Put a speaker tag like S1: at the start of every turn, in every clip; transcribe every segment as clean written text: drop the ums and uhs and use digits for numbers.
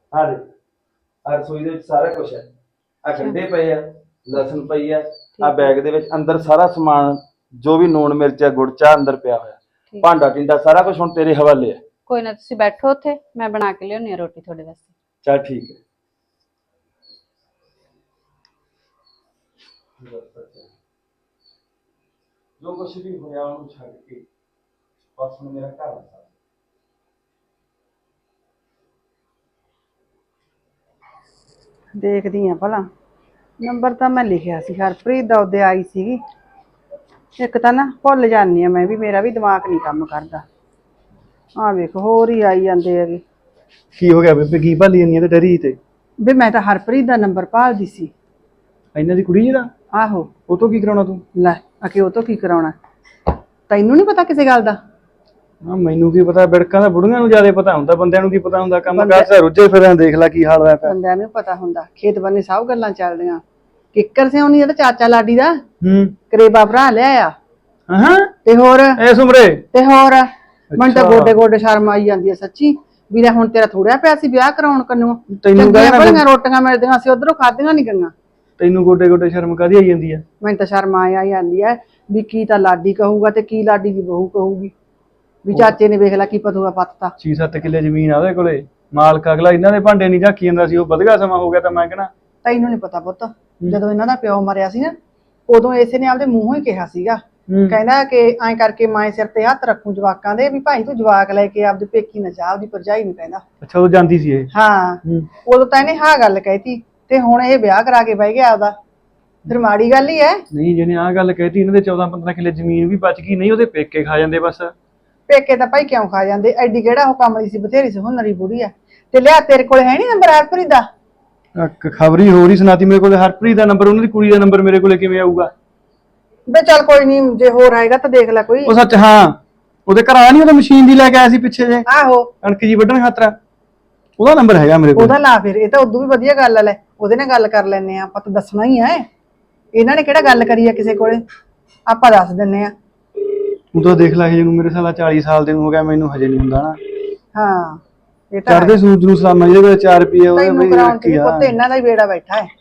S1: हाँ दे आ रसोई दे विच सारा कुछ है। आ गंढे पे आ, लसन पई आ, आ
S2: ठीक है।
S1: बैग दे विच अंदर सारा समान जो भी लूण मिर्च है गुड़ चाह अंदर पिया होया।
S2: ठीक।
S1: भांडा टिंडा सारा कुछ हुण तेरे हवाले है।
S2: कोई ना, तुसी बैठो उत्थे, मैं बना के लियाउणी आ रोटी थोड़े वास्ते।
S1: चल ठीक है। जो कुछ भी होया उन्हें छड्ड के बस हुण मेरा घर आ।
S3: देखदी आ भला नंबर ਤਾਂ ਮੈਂ ਲਿਖਿਆ ਸੀ ਹਰਪ੍ਰੀਤ ਦਾ ਉਹਦੇ ਆਈ ਸੀਗੀ। ਇੱਕ ਤਾਂ ਨਾ ਭੁੱਲ ਜਾਂਦੀ ਆ ਮੈਂ ਵੀ, ਮੇਰਾ ਵੀ ਦਿਮਾਗ ਨਹੀਂ ਕੰਮ ਕਰਦਾ। ਆ ਵੇਖ ਹੋਰ ਹੀ ਆਈ ਜਾਂਦੇ ਹੈਗੇ।
S4: ਕੀ ਹੋ ਗਿਆ ਬੇਬੇ, ਕੀ ਭਾਲੀ ਜਾਂਦੀ ਆ ਤੇ ਡਰੀ ਤੇ?
S3: ਵੀ ਮੈਂ ਤਾਂ ਹਰਪ੍ਰੀਤ ਦਾ ਨੰਬਰ ਭਾਲਦੀ ਸੀ।
S4: ਇਹਨਾਂ ਦੀ ਕੁੜੀ ਜਿਹੜਾ,
S3: ਆਹੋ।
S4: ਉਹ ਤੋਂ ਕੀ ਕਰਾਉਣਾ ਤੂੰ?
S3: ਲੈ ਅਕੇ ਉਹ ਤੋਂ ਕੀ ਕਰਾਉਣਾ, ਤੈਨੂੰ ਨਹੀਂ ਪਤਾ ਕਿਸੇ ਗੱਲ ਦਾ?
S4: ਹਾਂ ਮੈਨੂੰ ਕੀ ਪਤਾ, ਬਿੜਕਾਂ ਦਾ ਬੁੜੀਆਂ ਨੂੰ ਜ਼ਿਆਦਾ ਪਤਾ ਹੁੰਦਾ, ਬੰਦਿਆਂ ਨੂੰ ਕੀ ਪਤਾ ਹੁੰਦਾ। ਕੰਮ ਕਾਰ ਤੇ ਰੁੱਝੇ ਫਿਰਾਂ, ਦੇਖ ਲੈ ਕੀ ਹਾਲ ਹੋਇਆ ਪਿਆ।
S3: ਬੰਦਿਆਂ ਨੂੰ ਪਤਾ ਹੁੰਦਾ, ਖੇਤ ਬੰਨੇ ਸਭ ਗੱਲਾਂ ਚੱਲਦੀਆਂ। ਕਿੱਕਰ ਸਿਆਉਣੀ ਇਹਦਾ ਚਾਚਾ ਲਾਡੀ ਦਾ ਕਰੇਬਾ ਭਰਾ ਲਿਆ
S4: ਹਾਂ
S3: ਤੇ ਹੋਰ
S4: ਐਸ ਉਮਰੇ
S3: ਤੇ ਹੋਰ ਮੈਨੂੰ ਤਾਂ ਗੋਡੇ ਗੋਡੇ ਸ਼ਰਮ ਆਈ ਜਾਂਦੀ ਹੈ ਸੱਚੀ। ਵੀ ਲੈ ਹੁਣ ਤੇਰਾ ਥੋੜਿਆ ਪਿਆ ਸੀ ਵਿਆਹ ਕਰਾਉਣ ਕੰਨੋਂ, ਚੰਗੀਆਂ ਭਲੀਆਂ ਰੋਟੀਆਂ ਮਿਲਦੀਆਂ ਸੀ ਉਧਰੋਂ ਖਾਧੀਆਂ ਨਹੀਂ ਗਈਆਂ।
S4: ਤੈਨੂੰ ਗੋਡੇ ਗੋਡੇ ਸ਼ਰਮ ਕਾਹਦੀ ਆਈ ਜਾਂਦੀ ਆ?
S3: ਮੈਨੂੰ ਤਾਂ ਸ਼ਰਮ ਆ ਜਾਂਦੀ ਹੈ ਵੀ ਕੀ ਤਾਂ ਲਾਡੀ ਕਹੂਗਾ ਤੇ ਕੀ ਲਾਡੀ ਦੀ ਬਹੂ ਕਹੂਗੀ। ਵੀ ਚਾਚੇ ਨੇ ਵੇਖ ਲੈ ਕੀ ਪਤੂਆ ਪੱਤਤਾ।
S4: 6-7 ਕਿੱਲੇ ਜ਼ਮੀਨ ਆ ਉਹਦੇ ਕੋਲੇ, ਮਾਲਕ ਅਗਲਾ ਇਹਨਾਂ ਦੇ ਭਾਂਡੇ ਨਹੀਂ ਝਾਕੀ ਜਾਂਦਾ ਸੀ। ਉਹ ਵਧਗਾ ਸਮਾਂ ਹੋ ਗਿਆ ਤਾਂ ਮੈਂ ਕਹਿਣਾ
S3: ਤੈਨੂੰ ਨਹੀਂ ਪਤਾ ਪੁੱਤ, ਜਦੋਂ ਇਹਨਾਂ ਦਾ ਪਿਓ ਮਰਿਆ ਸੀ ਨਾ ਉਦੋਂ ਇਸੇ ਨੇ ਆਪਦੇ ਮੂੰਹੋਂ ਹੀ ਕਿਹਾ ਸੀਗਾ, ਕਹਿੰਦਾ ਕਿ ਐਂ ਕਰਕੇ ਮਾਏ ਸਿਰ ਤੇ ਹੱਥ ਰੱਖੂ ਜਵਾਕਾਂ ਦੇ, ਵੀ ਭਾਈ ਤੂੰ ਜਵਾਕ ਲੈ ਕੇ ਆਪਦੇ ਪੇਕੀ ਨਾ ਜਾ, ਆਪਦੀ ਭਰਜਾਈ ਨੂੰ ਕਹਿੰਦਾ।
S4: ਅੱਛਾ ਉਹ ਜਾਂਦੀ ਸੀ ਇਹ?
S3: ਹਾਂ ਉਦੋਂ ਤਾਂ ਇਹਨੇ ਹਾਂ ਗੱਲ ਕਹਿਤੀ ਤੇ ਹੁਣ ਇਹ ਵਿਆਹ ਕਰਾ ਕੇ ਬਹਿ ਗਿਆ ਆਪਦਾ। ਫਿਰ ਮਾੜੀ ਗੱਲ ਹੀ ਹੈ।
S4: ਨਹੀਂ ਜਿਹਨੇ ਆਹ ਗੱਲ ਕਹਿਤੀ, ਇਹਨਾਂ ਦੇ 14-15 ਕਿੱਲੇ ਜ਼ਮੀਨ ਵੀ ਬਚ ਗਈ, ਨਹੀਂ ਉਹਦੇ ਪੇਕੇ ਖਾ ਜਾਂਦੇ ਬਸ।
S3: ਪੇਕੇ ਤਾਂ ਭਾਈ ਕਿਉਂ ਖਾ ਜਾਂਦੇ, ਐਡੀ ਕਿਹੜਾ ਉਹ ਕਮਲੀ ਸੀ, ਬਥੇਰੀ ਸੀ ਹੁਨਰੀ ਬੁੜੀ ਆ। ਤੇ ਲਿਆ ਤੇਰੇ ਕੋਲ ਹੈ ਨੀ ਨੰਬਰ ਹਰਪ੍ਰੀਤ ਦਾ?
S4: ਖਬਰੀ ਹੋਰ ਹੀ ਸੁਣਾਤੀ ਮੇਰੇ ਕੋਲ। ਹਰਪ੍ਰੀਤ ਦਾ ਨੰਬਰ, ਉਹਨਾਂ ਦੀ ਕੁੜੀ ਦਾ ਨੰਬਰ ਮੇਰੇ ਕੋਲੇ ਕਿਵੇਂ ਆਊਗਾ?
S3: ਬੇ ਚੱਲ ਕੋਈ ਨਹੀਂ, ਜੇ ਹੋਰ ਆਏਗਾ ਤਾਂ ਦੇਖ ਲੈ ਕੋਈ।
S4: ਉਹ ਸੱਚ ਹਾਂ, ਉਹਦੇ ਘਰ ਆਇਆ ਨੀ, ਉਹਦਾ ਮਸ਼ੀਨ ਦੀ ਲੈ ਕੇ ਆਇਆ ਸੀ ਪਿੱਛੇ ਜੇ,
S3: ਆਹੋ
S4: ਕਣਕ ਜੀ ਵੱਢਣ ਖਾਤਰ। ਉਹਦਾ ਨੰਬਰ ਹੈਗਾ ਮੇਰੇ ਕੋਲ।
S3: ਉਹਦਾ ਲਾ ਫਿਰ, ਇਹ ਤਾਂ ਉਦੋਂ ਵੀ ਵਧੀਆ ਗੱਲ ਆ। ਲੈ ਉਹਦੇ ਨਾਲ ਗੱਲ ਕਰ ਲੈਨੇ ਆ ਆਪਾਂ, ਤਾਂ ਦੱਸਣਾ ਹੀ ਹੈ। ਇਹਨਾਂ ਨੇ ਕਿਹੜਾ ਗੱਲ ਕਰੀ ਆ ਕਿਸੇ ਕੋਲੇ, ਆਪਾਂ ਦੱਸ ਦਿੰਨੇ ਆ।
S4: ਤੂੰ ਤਾਂ ਦੇਖ ਲੈ ਜਿਹਨੂੰ ਮੇਰੇ ਸਾਲਾ 40 ਸਾਲ ਦੇ ਨੂੰ ਹੋ ਗਿਆ, ਮੈਨੂੰ ਹਜੇ ਨਹੀਂ ਹੁੰਦਾ ਨਾ।
S3: ਹਾਂ ਇਹ ਤਾਂ
S4: ਚੜਦੇ ਸੂਰਜ ਨੂੰ ਸਲਾਮਾਂ, ਜਿਹਦੇ ਕੋਲ 4 ਰੁਪਏ ਉਹਦੇ
S3: ਤੈਨੂੰ
S4: ਬਈ
S3: ਕਰਾਉਣ
S4: ਰੱਖੀ
S3: ਤੇ
S4: ਆ।
S3: ਪੁੱਤ ਇਹਨਾਂ ਦਾ ਹੀ ਬੇੜਾ ਬੈਠਾ ਹੈ।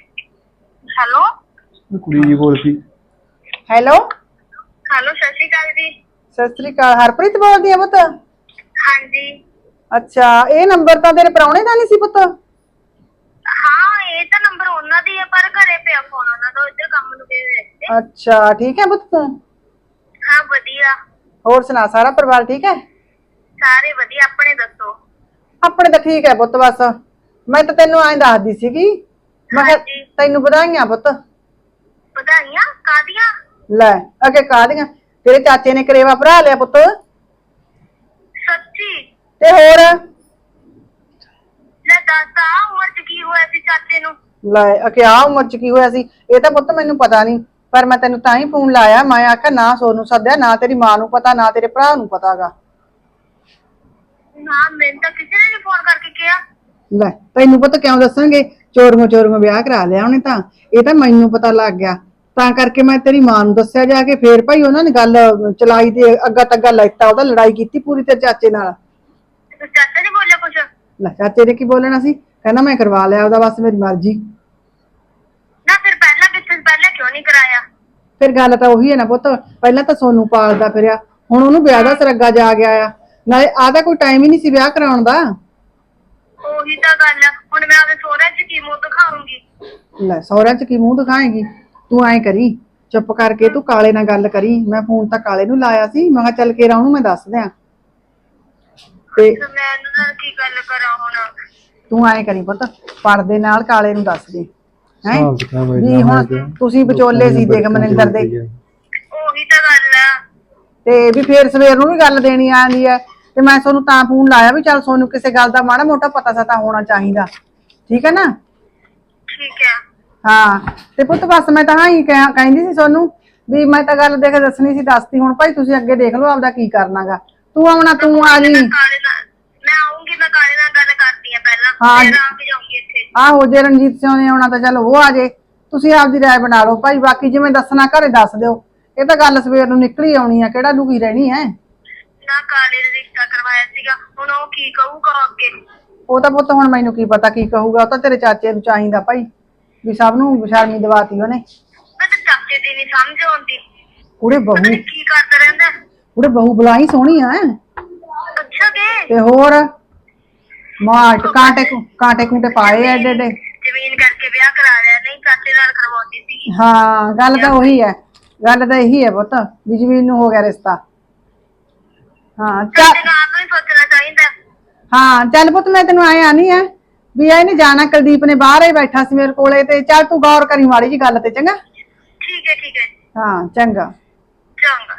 S5: ਹੈਲੋ
S4: ਕੁੜੀ ਜੀ ਬੋਲ ਪਈ।
S3: ਹੈਲੋ
S5: ਹੈਲੋ, ਸਤਿ ਸ਼੍ਰੀ ਅਕਾਲ ਜੀ।
S3: ਸਤਿ ਸ੍ਰੀ ਅਕਾਲ, ਹਰਪ੍ਰੀਤ ਬੋਲਦੀ ਆ ਪੁੱਤ?
S5: ਹਾਂਜੀ
S3: ਅੱਛਾ, ਇਹ ਨੰਬਰ ਤਾਂ ਤੇਰੇ ਪ੍ਰਾਹੁਣੇ ਦਾ ਨਹੀਂ ਸੀ ਪੁੱਤ?
S5: ਹਾਂ, ਇਹ ਤਾਂ ਨੰਬਰ ਉਹਨਾਂ ਦੀ ਹੈ, ਪਰ ਘਰੇ ਪਿਆ ਫੋਨ ਉਹਨਾਂ ਦਾ, ਇੱਧਰ ਕੰਮ ਨੂੰ ਗਏ ਹੋਏ ਸੀ।
S3: ਅੱਛਾ ਠੀਕ ਹੈ ਪੁੱਤ ਤੂੰ?
S5: ਹਾਂ ਵਧੀਆ।
S3: ਹੋਰ ਸੁਣਾ, ਸਾਰਾ ਪਰਿਵਾਰ ਠੀਕ ਹੈ?
S5: ਸਾਰੇ ਵਧੀਆ, ਆਪਣੇ ਦੱਸੋ?
S3: ਆਪਣੇ ਤਾਂ ਠੀਕ ਹੈ ਪੁੱਤ। ਬਸ ਮੈਂ ਤਾਂ ਤੈਨੂੰ ਐਂ ਦੱਸਦੀ ਸੀਗੀ, ਮੈਂ ਕਿਹਾ
S5: ਹਾਂਜੀ।
S3: ਤੈਨੂੰ ਵਧਾਈਆਂ ਪੁੱਤ।
S5: ਵਧਾਈਆਂ ਕਾਹਦੀਆਂ?
S3: ਲੈ ਅੱਗੇ ਕਾਹਦੀਆਂ, ਤੇਰੇ ਚਾਚੇ ਨੇ ਕਰੇਵਾ ਭਰਾ ਲਿਆ ਪੁੱਤ।
S5: ਸੱਚੀ?
S3: ਤੇ ਹੋਰ
S5: ਲੈ ਦੱਸ, ਆ ਉਮਰ ਚ ਕੀ ਹੋਇਆ ਸੀ ਚਾਚੇ ਨੂੰ?
S3: ਲੈ ਅਕੇ ਆ ਉਮਰ ਚ ਕੀ ਹੋਇਆ ਸੀ, ਇਹ ਤਾਂ ਪੁੱਤ ਮੈਨੂੰ ਪਤਾ ਨਹੀਂ, ਪਰ ਮੈਂ ਤੈਨੂੰ ਤਾਂ ਹੀ ਫੋਨ ਲਾਇਆ। ਮੈਂ ਆਖਿਆ ਨਾ ਸੋਨੂੰ ਸੱਦਿਆ, ਨਾ ਤੇਰੀ ਮਾਂ ਨੂੰ ਪਤਾ, ਨਾ ਤੇਰੇ ਭਰਾ ਨੂੰ ਪਤਾਗਾ।
S5: ਨਾ ਮੈਨੂੰ ਤਾਂ ਕਿਸੇ ਨੇ ਨੀ ਫੋਨ ਕਰਕੇ ਕਿਹਾ।
S3: ਲੈ ਤੈਨੂੰ ਪਤਾ ਕਿਉਂ ਦੱਸਾਂਗੇ, ਚੋਰੀਆਂ ਚੋਰੀਆਂ ਵਿਆਹ ਕਰਾ ਲਿਆ ਉਹਨੇ ਤਾਂ, ਇਹ ਤਾਂ ਮੈਨੂੰ ਪਤਾ ਲੱਗ ਗਿਆ, ਤਾਂ ਕਰਕੇ ਮੈਂ ਤੇਰੀ ਮਾਂ ਨੂੰ ਦੱਸਿਆ ਜਾ ਕੇ। ਫੇਰ ਭਾਈ ਉਹਨਾਂ ਨੇ ਗੱਲ ਚਲਾਈ ਤੇ ਅੱਗਾ ਤੱਗਾ ਲੈਤਾ, ਉਹਦਾ ਲੜਾਈ ਕੀਤੀ ਪੂਰੀ ਤੇਰੇ ਚਾਚੇ ਨਾਲ।
S5: ਤੇ ਚਾਚਾ ਨੇ ਬੋਲਿਆ ਕੁਛ?
S3: ਲੈ ਚਾਚੇ ਨੇ ਕੀ ਬੋਲਣਾ ਸੀ, ਕਹਿੰਦਾ ਮੈਂ ਕਰਵਾ ਲਿਆ ਉਹਦਾ, ਬਸ ਮੇਰੀ ਮਰਜ਼ੀ।
S5: ਨਾ ਫਿਰ ਪਹਿਲਾਂ ਕਿਉਂ ਨਹੀਂ ਕਰਾਇਆ?
S3: ਫਿਰ ਗੱਲ ਤਾਂ ਉਹੀ ਹੈ ਨਾ ਪੁੱਤ, ਪਹਿਲਾਂ ਤਾਂ ਸੋਨੂੰ ਪਾਲਦਾ ਫਿਰਿਆ, ਹੁਣ ਉਹਨੂੰ ਵਿਆਹ ਦਾ ਸਰੱਗਾ ਜਾ ਗਿਆ ਆ। ਨਾਲੇ ਆਹ ਤਾਂ ਕੋਈ ਟਾਈਮ ਹੀ ਨਹੀਂ ਸੀ ਵਿਆਹ ਕਰਾਉਣ ਦਾ।
S5: ਉਹੀ ਤਾਂ ਗੱਲ ਆ, ਹੁਣ ਮੈਂ ਆਪਦੇ ਸਹੁਰਿਆਂ ਚ ਕੀ ਮੂੰਹ ਦਿਖਾਉਂਗੀ?
S3: ਲੈ ਸਹੁਰਿਆਂ ਚ ਕੀ ਮੂੰਹ ਦਿਖਾਏਂਗੀ? ਤੂੰ ਐਂ ਕਰੀ, ਚੁੱਪ ਕਰਕੇ ਤੂੰ ਕਾਲੇ ਨਾਲ ਗੱਲ ਕਰੀ। ਮੈਂ ਫੋਨ ਤਾਂ ਕਾਲੇ ਨੂੰ ਲਾਇਆ ਸੀ, ਮੈਂ ਕਿਹਾ ਚੱਲ ਕੇ ਉਹਨੂੰ ਮੈਂ ਦੱਸ ਦਿਆਂ। ਤੇ
S5: ਮੈਂ ਇਹਨਾਂ ਨਾਲ ਕੀ ਗੱਲ ਕਰਾਂ ਹੁਣ?
S3: ਤੂੰ ਐਂ ਕਰੀ ਪੁੱਤ, ਪਰਦੇ ਨਾਲ ਕਾਲੇ ਨੂੰ ਦੱਸ ਦੇ ਹੈ ਵੀ ਹੁਣ ਤੁਸੀਂ ਵਿਚੋਲੇ ਸੀ ਦੇਖ ਮਨਿੰਦਰ ਦੇ।
S5: ਉਹੀ ਤਾਂ ਗੱਲ ਆ।
S3: ਤੇ ਵੀ ਫੇਰ ਸਵੇਰ ਨੂੰ ਵੀ ਗੱਲ ਦੇਣੀ ਆਂਦੀ ਹੈ, ਤੇ ਮੈਂ ਤੁਹਾਨੂੰ ਤਾਂ ਫੋਨ ਲਾਇਆ ਵੀ ਚੱਲ ਸੋਨੂੰ ਕਿਸੇ ਗੱਲ ਦਾ ਮਾੜਾ ਮੋਟਾ ਪਤਾ ਸਤਾ ਹੋਣਾ ਚਾਹੀਦਾ, ਠੀਕ ਹੈ ਨਾ?
S5: ਠੀਕ ਹੈ।
S3: ਹਾਂ ਤੇ ਪੁੱਤ ਬਸ ਮੈਂ ਤਾਂ ਹਾਂ ਹੀ ਕਹਿੰਦੀ ਸੀ ਸੋਨੂੰ ਵੀ ਮੈਂ ਤਾਂ ਗੱਲ ਦੇਖ ਦੱਸਣੀ ਸੀ, ਦੱਸਤੀ। ਹੁਣ ਭਾਈ ਤੁਸੀਂ ਅੱਗੇ ਦੇਖ ਲਓ ਆਪਦਾ ਕੀ ਕਰਨਾਗਾ। ਤੂੰ ਆਉਣਾ, ਤੂੰ ਆ ਜੀ।
S5: ਮੈਂ ਆਉਂਗੀ, ਮੈਂ ਕਾਲੇ ਨਾਲ ਗੱਲ ਕਰਦੀ ਆ ਪਹਿਲਾਂ,
S3: ਹਾਂ।
S5: ਫਿਰ ਆ ਕੇ ਜਾਊਂਗੀ ਇੱਥੇ।
S3: ਆਹੋ ਜੇ ਰਣਜੀਤ ਸਿੰਘ ਨੇ ਆਉਣਾ ਤਾਂ ਚਲ ਉਹ ਆ ਜੇ, ਤੁਸੀਂ ਆਪਦੀ ਰਾਏ ਬਣਾ ਲਓ ਭਾਈ। ਬਾਕੀ ਜਿਵੇਂ ਦੱਸਣਾ ਘਰੇ ਦੱਸ ਦਿਓ, ਇਹ ਤਾਂ ਗੱਲ ਸਵੇਰ ਨੂੰ ਨਿਕਲੀ ਆਉਣੀ ਆ, ਕਿਹੜਾ ਲੁਕੀ ਰਹਿਣੀ ਹੈ।
S5: ਨਾ ਕਾਲੇ ਨੇ ਰਿਸ਼ਤਾ ਕਰਵਾਇਆ ਸੀਗਾ, ਹੁਣ ਉਹ ਕੀ ਕਹੂਗਾ ਅੱਗੇ?
S3: ਉਹ ਤਾਂ ਪੁੱਤ ਹੁਣ ਮੈਨੂੰ ਕੀ ਪਤਾ ਕੀ ਕਹੂਗਾ, ਉਹ ਤਾਂ ਤੇਰੇ ਚਾਚੇ ਨੂੰ ਚਾਹੀਦਾ ਭਾਈ ਵੀ ਸਭ ਨੂੰ ਬਸ਼ਰਮੀ ਦਵਾਤੀ ਉਹਨੇ।
S5: ਮੈਂ ਤਾਂ ਚਾਚੇ ਦੀ ਨਹੀਂ ਸਮਝ ਆਉਂਦੀ,
S3: ਕੁੜੇ
S5: ਪਤਾ
S3: ਬਹੂ
S5: ਨੀ ਕੀ ਕਰਦਾ ਰਹਿੰਦਾ।
S3: ਕੁੜੇ ਬਹੂ ਬੁਲਾਈ ਸੋਹਣੀ ਆ
S5: ਅੱਛਾ ਕਿ
S3: ਤੇ ਹੋਰ ਮਾਟ ਕਾਂਟੇ ਕੂਟੇ ਪਾਏ ਐਡੇ ਐਡੇ।
S5: ਜ਼ਮੀਨ ਕਰਕੇ ਵਿਆਹ ਕਰਾ ਲਿਆ, ਨਹੀਂ ਚਾਚੇ ਨਾਲ ਕਰਵਾਉਂਦੀ ਸੀ।
S3: ਹਾਂ ਗੱਲ ਤਾਂ ਉਹੀ ਹੈ, ਗੱਲ ਤਾਂ ਇਹੀ ਹੈ ਪੁੱਤ ਵੀ ਜ਼ਮੀਨ ਨੂੰ ਹੋ ਗਿਆ ਰਿਸ਼ਤਾ। ਹਾਂ ਚੱਲ
S5: ਚਾਚੇ ਨੂੰ ਆਪ ਨੂੰ ਹੀ ਸੋਚਣਾ ਚਾਹੀਦਾ।
S3: ਹਾਂ ਚੱਲ ਪੁੱਤ ਮੈਂ ਤੈਨੂੰ ਆਏ ਆਨੀ ਆ ਵੀ ਇਹਨੇ ਜਾਣਾ, ਕੁਲਦੀਪ ਨੇ ਬਾਹਰ ਹੀ ਬੈਠਾ ਸੀ ਮੇਰੇ ਕੋਲੇ, ਤੇ ਚੱਲ ਤੂੰ ਗੌਰ ਕਰੀ ਮਾੜੀ ਜੀ ਗੱਲ ਤੇ, ਚੰਗਾ।
S5: ਠੀਕ ਹੈ
S3: ਹਾਂ ਚੰਗਾ।
S5: ਚੰਗਾ।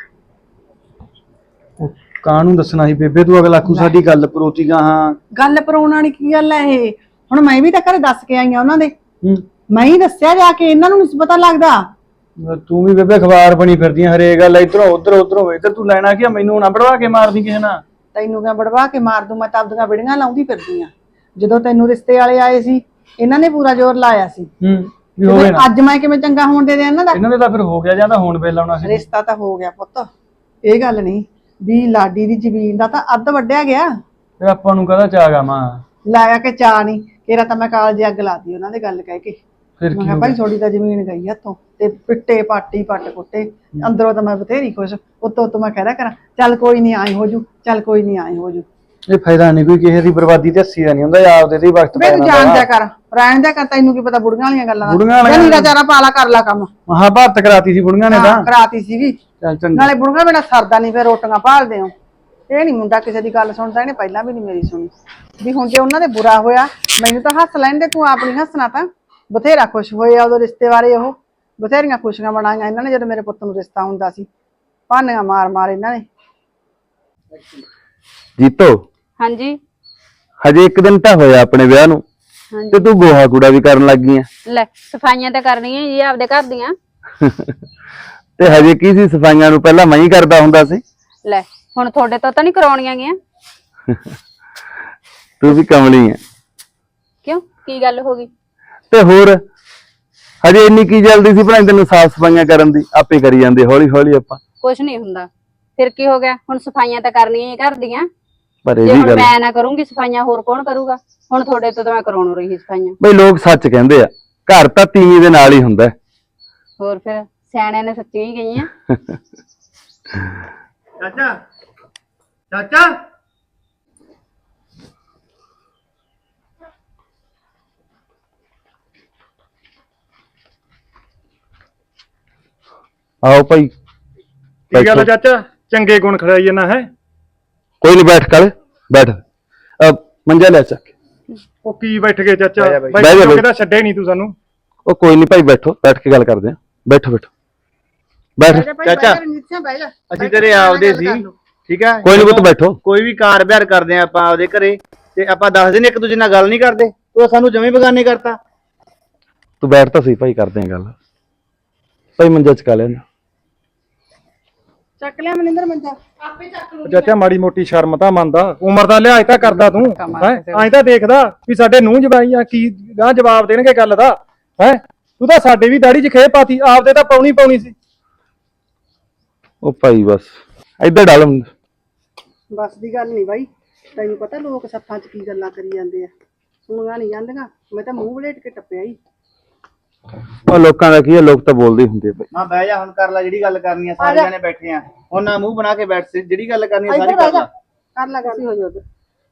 S4: ਕਾਹਨੂੰ ਦੱਸਣਾ ਸੀ ਬੇਬੇ, ਤੂੰ ਅਗਲਾ ਆਖੂ ਸਾਡੀ ਗੱਲ ਪਰੋਤੀ ਗਾਹਾਂ।
S3: ਗੱਲ ਪਰਾਉਣ ਵਾਲੀ ਕੀ ਗੱਲ ਹੈ ਇਹ? ਹੁਣ ਮੈਂ ਵੀ ਤਾਂ ਘਰੇ ਦੱਸ ਕੇ ਆਈ ਆ ਉਹਨਾਂ ਦੇ,
S4: ਹੂੰ
S3: ਮੈਂ ਹੀ ਦੱਸਿਆ ਜਾ ਕੇ, ਇਹਨਾਂ ਨੂੰ ਨਹੀਂ ਪਤਾ ਲੱਗਦਾ।
S4: ਤੂੰ ਵੀ ਬੇਬੇ ਅਖਬਾਰ ਬਣੀ ਫਿਰਦੀ ਆਂ, ਹਰੇਕ ਗੱਲ ਇਧਰੋਂ ਉਧਰੋਂ ਇੱਧਰ ਤੂੰ ਲੈਣਾ ਕੀ ਆ? ਮੈਨੂੰ ਨਾ ਬੜਵਾ ਕੇ ਮਾਰਦੀ ਕਿਸੇ ਨਾਲ।
S3: ਤੈਨੂੰ ਕਿਆ ਬੜਵਾ ਕੇ ਮਾਰ ਦੂੰ, ਮੈਂ ਤਾਂ ਆਪਦੀਆਂ ਵਿੜੀਆਂ ਲਾਉਂਦੀ ਫਿਰਦੀ ਆ। ਜਦੋਂ ਤੈਨੂੰ ਰਿਸ਼ਤੇ ਵਾਲੇ ਆਏ ਸੀ ਇਹਨਾਂ ਨੇ ਪੂਰਾ ਜ਼ੋਰ ਲਾਇਆ ਸੀ,
S4: ਵੀ ਹੋਵੇ ਨਾ।
S3: ਅੱਜ ਮੈਂ ਕਿਵੇਂ ਚੰਗਾ ਹੋਣ ਦੇ ਦਿਆਂ ਇਹਨਾਂ ਦਾ?
S4: ਇਹਨਾਂ ਦੇ ਤਾਂ ਫਿਰ ਹੋ ਗਿਆ, ਜਾਂ ਤਾਂ ਹੁਣ ਵੇਲਾ ਆਉਣਾ ਸੀ।
S3: ਰਿਸ਼ਤਾ ਤਾਂ ਹੋ ਗਿਆ ਪੁੱਤ, ਇਹ ਗੱਲ ਨਹੀਂ ਵੀ ਲਾਡੀ ਦੀ ਜ਼ਮੀਨ ਦਾ ਤਾਂ ਅੱਧ ਵੱਢਿਆ ਗਿਆ।
S4: ਫਿਰ ਆਪਾਂ ਨੂੰ ਕਹਦਾ ਚਾਗਾ ਮਾਂ
S3: ਲਾਇਆ ਕਿ ਚਾਹ ਨਹੀਂ, ਕਿਹੜਾ ਤਾਂ ਮੈਂ ਕਾਲਜ ਅੱਗ ਲਾਤੀ ਉਹਨਾਂ ਦੇ ਗੱਲ ਕਹਿ ਕੇ।
S4: ਫਿਰ
S3: ਮੈਂ
S4: ਕੀ
S3: ਕਿਹਾ
S4: ਹੋ
S3: ਭਾਈ
S4: ਗਿਆ?
S3: ਥੋੜੀ ਤਾਂ ਜ਼ਮੀਨ ਗਈ ਹੱਥੋਂ, ਤੇ ਪਿੱਟੇ ਪਾਟੀ ਪੱਟ ਕੁੱਟੇ ਅੰਦਰੋਂ ਤਾਂ ਮੈਂ ਬਥੇਰੀ ਖੁਸ਼, ਉੱਤੋਂ ਮੈਂ ਕਹਿ ਰਿਹਾ ਕਰਾਂ ਚੱਲ ਕੋਈ ਨਹੀਂ ਆਏ ਹੋ ਜੂ, ਚੱਲ ਕੋਈ ਨਹੀਂ ਆਏ ਹੋ ਜੂ।
S4: ਇਹ ਫਾਇਦਾ ਨਹੀਂ ਕੋਈ, ਕਿਸੇ ਦੀ ਬਰਬਾਦੀ ਤੇ ਹੱਸੀ ਦਾ ਨਹੀਂ ਹੁੰਦਾ, ਆਪਦੇ ਤੇ ਹੀ ਵਕਤ
S3: ਵੇ ਤੂੰ ਜਾਣ ਦਿਆ ਕਰ, ਰਹਿਣ ਦਿਆ ਕਰ, ਤੈਨੂੰ ਕੀ ਪਤਾ ਬੁੜੀਆਂ ਵਾਲੀਆਂ ਗੱਲਾਂ ਦਾ। ਨੀਰਾ ਚਾਰਾ ਪਾਲਾ ਕਰ ਲਾ ਕੰਮ।
S4: ਮਹਾਭਾਰਤ ਕਰਾਤੀ ਸੀ ਬੁੜੀਆਂ ਨੇ ਤਾਂ।
S3: ਕਰਾਤੀ ਸੀਗੀ,
S4: ਚੱਲ ਚੰਗਾ।
S3: ਨਾਲੇ ਬੁੜੀਆਂ ਬਿਨਾਂ ਸਰਦਾ ਨਹੀਂ, ਫਿਰ ਰੋਟੀਆਂ ਭਾਲਦੇ ਹੋ। ਇਹ ਨਹੀਂ ਮੁੰਡਾ ਕਿਸੇ ਦੀ ਗੱਲ ਸੁਣਦਾ, ਇਹਨੇ ਪਹਿਲਾਂ ਵੀ ਨਹੀਂ ਮੇਰੀ ਸੁਣੀ। ਵੀ ਹੁਣ ਜੇ ਉਹਨਾਂ ਦੇ ਬੁਰਾ ਹੋਇਆ ਮੈਨੂੰ ਤਾਂ ਹੱਸ ਲੈਣ ਦੇ, ਤੂੰ ਆਪ ਨਹੀਂ ਹੱਸਣਾ। ਤਾਂ ਬਥੇਰਾ ਖੁਸ਼ ਹੋਏ ਆ ਉਦੋਂ ਰਿਸ਼ਤੇ ਬਾਰੇ, ਉਹ ਬਥੇਰੀਆਂ ਖੁਸ਼ੀਆਂ ਮਨਾਈਆਂ ਇਹਨਾਂ ਨੇ ਜਦੋਂ ਮੇਰੇ ਪੁੱਤ ਨੂੰ ਰਿਸ਼ਤਾ ਹੁੰਦਾ ਸੀ। ਭਾਨੀਆਂ ਮਾਰ ਇਹਨਾਂ ਨੇ।
S6: ਜੀਤੋ
S2: ਹਾਂਜੀ
S6: ਹਜੇ ਇੱਕ ਦਿਨ ਤਾਂ ਹੋਇਆ ਆਪਣੇ ਵਿਆਹ ਨੂੰ,
S2: ਹਾਂਜੀ।
S6: ਤੇ ਤੂੰ ਗੋਹਾ ਕੂੜਾ ਵੀ ਕਰਨ ਲੱਗ ਗਈ ਆ।
S2: ਲੈ ਸਫਾਈਆਂ ਤਾਂ ਕਰਨੀਆਂ ਜੀ ਆਪਦੇ ਘਰ ਦੀਆਂ।
S6: ਤੇ ਹਜੇ ਕੀ ਸੀ, ਸਫਾਈਆਂ ਨੂੰ ਪਹਿਲਾਂ ਮੈਂ ਹੀ ਕਰਦਾ ਹੁੰਦਾ ਸੀ।
S2: ਲੈ ਹੁਣ ਤੁਹਾਡੇ ਤੋਂ ਤਾਂ ਨਹੀਂ ਕਰਾਉਣੀਆਂ ਗੀਆਂ।
S6: ਤੂੰ ਵੀ ਕਮਲੀ ਆ।
S2: ਕਿਉਂ, ਕੀ ਗੱਲ ਹੋ ਗਈ?
S6: ਤੇ ਹੋਰ ਹਜੇ ਇੰਨੀ ਕੀ ਜਲਦੀ ਸੀ ਭਲਾ ਤੈਨੂੰ ਸਾਫ ਸਫਾਈਆਂ ਕਰਨ ਦੀ? ਆਪੇ ਕਰੀ ਜਾਂਦੇ ਹੌਲੀ ਹੌਲੀ ਆਪਾਂ।
S2: ਕੁਛ ਨਹੀਂ ਹੁੰਦਾ, ਫਿਰ ਕੀ ਹੋ ਗਿਆ? ਹੁਣ ਸਫਾਈਆਂ ਤਾਂ ਕਰਨੀਆਂ ਹੀ ਘਰ ਦੀਆਂ।
S6: ਪਰ ਇਹ
S2: ਜੇ
S6: ਵੀ
S2: ਹੁਣ
S6: ਗੱਲ
S2: ਮੈਂ ਨਾ ਕਰੂੰਗੀ ਸਫਾਈਆਂ, ਹੋਰ ਕੌਣ ਕਰੂਗਾ? ਹੁਣ ਤੁਹਾਡੇ ਤੋਂ ਤਾਂ ਮੈਂ ਕਰਾਉਣ ਰਹੀ ਸਫਾਈਆਂ।
S6: ਬਈ ਲੋਕ ਸੱਚ ਕਹਿੰਦੇ ਆ, ਘਰ ਤਾਂ ਤੀਵੀਂ ਦੇ ਨਾਲ ਹੀ ਹੁੰਦਾ।
S2: ਹੋਰ ਫਿਰ ਸਿਆਣਿਆਂ ਨੇ ਸੱਚੀ ਹੀ ਗਈਆਂ।
S1: ਚਾਚਾ ਚਾਚਾ
S6: ਆਓ ਭਾਈ।
S4: ਕੀ ਗੱਲ ਚਾਚਾ, ਚੰਗੇ ਗੁਣ ਖੜਾਈ ਜਾਂਦਾ ਹੈ?
S6: ਕੋਈ ਨਹੀਂ, ਬੈਠ ਕਰ, ਬੈਠ। ਮੰਜਾ ਲੈ ਚੱਕ।
S4: ਉਹ ਕੀ ਬੈਠ ਗਏ ਚਾਚਾ?
S6: ਬਹਿ ਜਾ ਬਈ।
S4: ਕਿਹਦਾ ਛੱਡੇ ਨਹੀਂ ਤੂੰ ਸਾਨੂੰ।
S6: ਉਹ ਕੋਈ ਨਹੀਂ ਭਾਈ, ਬੈਠੋ, ਬੈਠ ਕੇ ਗੱਲ ਕਰਦੇ ਆ। ਬੈਠੋ ਬੈਠੋ ਬੈਠ।
S7: ਚਾਚਾ ਅਸੀਂ ਤੇਰੇ ਆਪਦੇ ਸੀ, ਠੀਕ ਆ?
S6: ਕੋਈ ਨਹੀਂ ਪੁੱਤ, ਬੈਠੋ।
S7: ਕੋਈ ਵੀ ਕਾਰ ਵਿਹਾਰ ਕਰਦੇ ਆ ਆਪਾਂ ਆਪਦੇ ਘਰੇ, ਤੇ ਆਪਾਂ 10 ਦਿਨ ਇੱਕ ਦੂਜੇ ਨਾਲ ਗੱਲ ਨਹੀਂ ਕਰਦੇ, ਤੂੰ ਸਾਨੂੰ ਜਮੇ ਬਗਾਨੇ ਕਰਤਾ।
S6: ਤੂੰ ਬੈਠ ਤਾਂ ਸਹੀ ਭਾਈ, ਕਰਦੇ ਆ ਗੱਲ। ਭਾਈ ਮੰਜਾ ਚਕਾ ਲੈਣਾ।
S3: ਚੱਕ ਲਿਆ ਮਨਿੰਦਰ ਮੰਜਾ, ਆਪੇ ਚੱਕ ਲੂ।
S4: ਚਾਚਾ ਮਾੜੀ ਮੋਟੀ ਸ਼ਰਮ ਤਾਂ ਮੰਨਦਾ, ਉਮਰ ਦਾ ਲਿਹਾਜ਼ ਤਾਂ ਕਰਦਾ ਤੂੰ। ਐਂ ਤਾਂ ਦੇਖਦਾ ਵੀ ਸਾਡੇ ਨੂੰਹ ਜਵਾਈਆਂ ਕੀ ਗਾਂ ਜਵਾਬ ਦੇਣਗੇ ਗੱਲ ਦਾ। ਹੈ ਤੂੰ ਤਾਂ ਸਾਡੇ ਵੀ ਦਾੜੀ 'ਚ ਖੇ ਪਾਤੀ, ਆਪਦੇ ਤਾਂ ਪਾਉਣੀ ਸੀ।
S6: ਉਹ ਭਾਈ ਬਸ ਇੱਧਰ ਡਾਲ।
S3: ਬਸ ਦੀ ਗੱਲ ਨਹੀਂ ਬਾਈ, ਤੈਨੂੰ ਪਤਾ ਲੋਕ ਸੱਥਾਂ 'ਚ ਕੀ ਗੱਲਾਂ ਕਰੀ ਜਾਂਦੇ ਆ, ਸੁਣੀਆਂ ਨਹੀਂ ਜਾਂਦੀਆਂ। ਮੈਂ ਤਾਂ ਮੂੰਹ ਵਲੇਟ ਕੇ ਟੱਪਿਆ ਹੀ।
S6: ਉਹ ਲੋਕਾਂ ਦਾ ਕੀ ਹੈ, ਲੋਕ ਤਾਂ ਬੋਲਦੇ ਹੀ ਹੁੰਦੇ ਆ ਭਾਈ।
S7: ਹਾਂ ਬਹਿ ਜਾ, ਹੁਣ ਕਰ ਲੈ ਜਿਹੜੀ ਗੱਲ ਕਰਨੀ ਆ, ਸਾਰੇ ਜਾਣੇ ਬੈਠੇ ਆ ਹੁਣ, ਨਾ ਮੂੰਹ ਬਣਾ ਕੇ ਬੈਠ, ਜਿਹੜੀ ਗੱਲ ਕਰਨੀ ਆ ਸਾਰੀ ਕਰ ਲੈ।
S3: ਕਰ ਲਾ ਗੱਲ, ਹੋ ਜਾ ਉਧਰ।